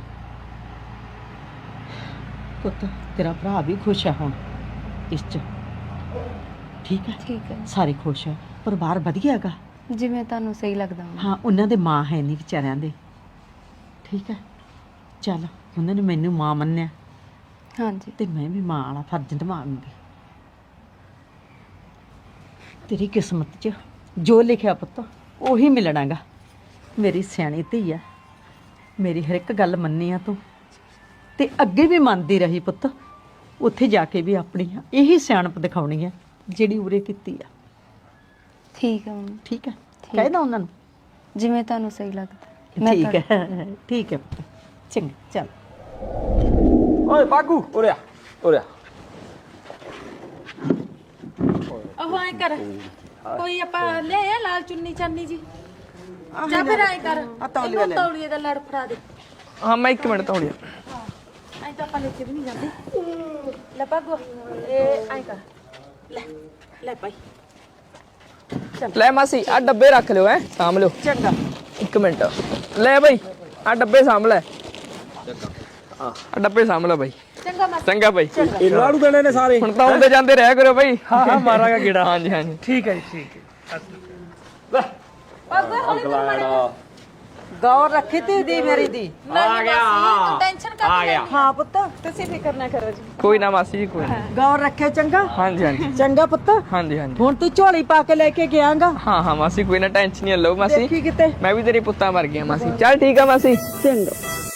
S6: ਪੁੱਤ ਤੇਰਾ ਭਰਾ ਵੀ ਖੁਸ਼ ਹੈ ਹੁਣ ਇਸ 'ਚ, ਠੀਕ ਹੈ?
S8: ਠੀਕ ਹੈ
S6: ਸਾਰੇ ਖੁਸ਼ ਹੈ, ਪਰਿਵਾਰ ਵਧੀਆ ਹੈਗਾ।
S8: ਜਿਵੇਂ ਤੁਹਾਨੂੰ ਸਹੀ ਲੱਗਦਾ ਹੋਵੇ।
S6: ਹਾਂ ਉਹਨਾਂ ਦੇ ਮਾਂ ਹੈ ਨਹੀਂ ਵਿਚਾਰਿਆਂ ਦੇ, ਠੀਕ ਹੈ? ਚੱਲ ਉਹਨਾਂ ਨੇ ਮੈਨੂੰ ਮਾਂ ਮੰਨਿਆ
S8: ਹਾਂਜੀ
S6: ਤੇ ਮੈਂ ਵੀ ਮਾਂ ਵਾਲਾ ਫਰਜ਼ ਨਿਭਾਉਂਗੀ। ਤੇਰੀ ਕਿਸਮਤ 'ਚ ਜੋ ਲਿਖਿਆ ਪੁੱਤ ਉਹੀ ਮਿਲਣਾਗਾ। ਮੇਰੀ ਸਿਆਣੀ ਧੀ ਆ, ਮੇਰੀ ਹਰ ਇੱਕ ਗੱਲ ਮੰਨੀ ਆ ਤੂੰ, ਤੇ ਅੱਗੇ ਵੀ ਮੰਨਦੀ ਰਹੀ ਪੁੱਤ। ਉੱਥੇ ਜਾ ਕੇ ਵੀ ਆਪਣੀ ਇਹੀ ਸਿਆਣਪ ਦਿਖਾਉਣੀ ਆ ਜਿਹੜੀ ਉਰੇ ਕੀਤੀ ਆ,
S8: ਠੀਕ ਹੈ ਮੰਮੀ,
S6: ਠੀਕ ਹੈ? ਕਹਿਦਾ ਉਹਨਾਂ ਨੂੰ
S8: ਜਿਵੇਂ ਤੁਹਾਨੂੰ ਸਹੀ ਲੱਗਦਾ।
S6: ਠੀਕ ਹੈ, ਠੀਕ ਹੈ ਪੁੱਤ, ਚੰਗਾ ਚੱਲ।
S1: ਓਏ ਬਾਗੂ ਉਰੇ ਆ ਉਰੇ ਆ।
S4: ਉਹ ਐ ਕਰ, ਕੋਈ ਆਪਾਂ ਲੈ ਆ ਲਾਲ ਚੁੰਨੀ ਚਾਨੀ ਜੀ, ਜਾਂ ਫਿਰ ਐ ਕਰ ਇਹਨੂੰ ਤੌਲੀਏ ਦਾ ਲੜ ਫੜਾ ਦੇ।
S1: ਹਾਂ ਮੈਂ 1 ਮਿੰਟ ਤੌੜਿਆ।
S4: ਐ ਤਾਂ ਆਪਾਂ ਲੈ ਕੇ ਵੀ ਨਹੀਂ ਜਾਂਦੇ। ਲੈ ਭਾਗੋ ਇਹ ਐ ਕਰ, ਲੈ ਲੈ ਭਾਈ।
S1: ਲੈ ਮਾਸੀ ਆ ਡੱਬੇ ਰੱਖ ਲਿਓ, ਸਾਂਭ ਲਿਓ।
S6: ਚੰਗਾ
S1: 1 ਮਿੰਟ ਲੈ ਬਈ, ਆ ਡੱਬੇ ਸਾਂਭ ਲੈ। ਆ ਡੱਬੇ ਸਾਂਭ ਲੈ ਬਾਈ।
S4: ਚੰਗਾ ਮਾਸੀ।
S1: ਚੰਗਾ ਬਾਈ।
S2: ਇਹਨਾਂ ਨੂੰ ਦੇਣੇ ਨੇ ਸਾਰੇ।
S1: ਹੁਣ ਤਾਂ ਆਉਂਦੇ ਜਾਂਦੇ ਰਹਿ ਕਰੋ ਬਾਈ।
S2: ਹਾਂ ਮਾਰਾਂਗਾ ਗੇੜਾ।
S1: ਹਾਂਜੀ ਹਾਂਜੀ
S2: ਠੀਕ ਹੈ ਜੀ, ਠੀਕ ਹੈ।
S4: ਭਾਗੋ ਹੌਲੀ ਹੌਲੀ
S6: ਗੌਰ ਰੱਖੀ ਤੀ ਦੀ ਮੇਰੀ ਦੀ।
S4: ਆ ਗਿਆ, ਤੂੰ ਟੈਨਸ਼ਨ ਕਰ ਲੈ।
S6: ਹਾਂ ਪੁੱਤ
S7: ਤੁਸੀਂ ਫਿਕਰ ਨਾ ਕਰੋ ਜੀ।
S1: ਕੋਈ ਨਾ ਮਾਸੀ ਜੀ ਕੋਈ ਨਾ।
S6: ਗੌਰ ਰੱਖੇ ਚੰਗਾ।
S1: ਹਾਂਜੀ ਹਾਂਜੀ
S6: ਚੰਗਾ ਪੁੱਤ,
S1: ਹਾਂਜੀ ਹਾਂਜੀ
S6: ਹੁਣ ਤੂੰ ਝੋਲੀ ਪਾ ਕੇ ਲੈ ਕੇ ਗਿਆਗਾ।
S1: ਹਾਂ ਹਾਂ ਮਾਸੀ ਕੋਈ ਨਾ ਟੈਨਸ਼ਨ ਨਹੀਂ ਲਓ ਮਾਸੀ।
S6: ਦੇਖੀ ਕਿਤੇ
S1: ਮੈਂ ਵੀ ਤੇਰੇ ਪੁੱਤਾਂ ਵਰ ਗਿਆ ਮਾਸੀ। ਚੱਲ ਠੀਕ ਆ ਮਾਸੀ।
S6: ਚੰਗਾ।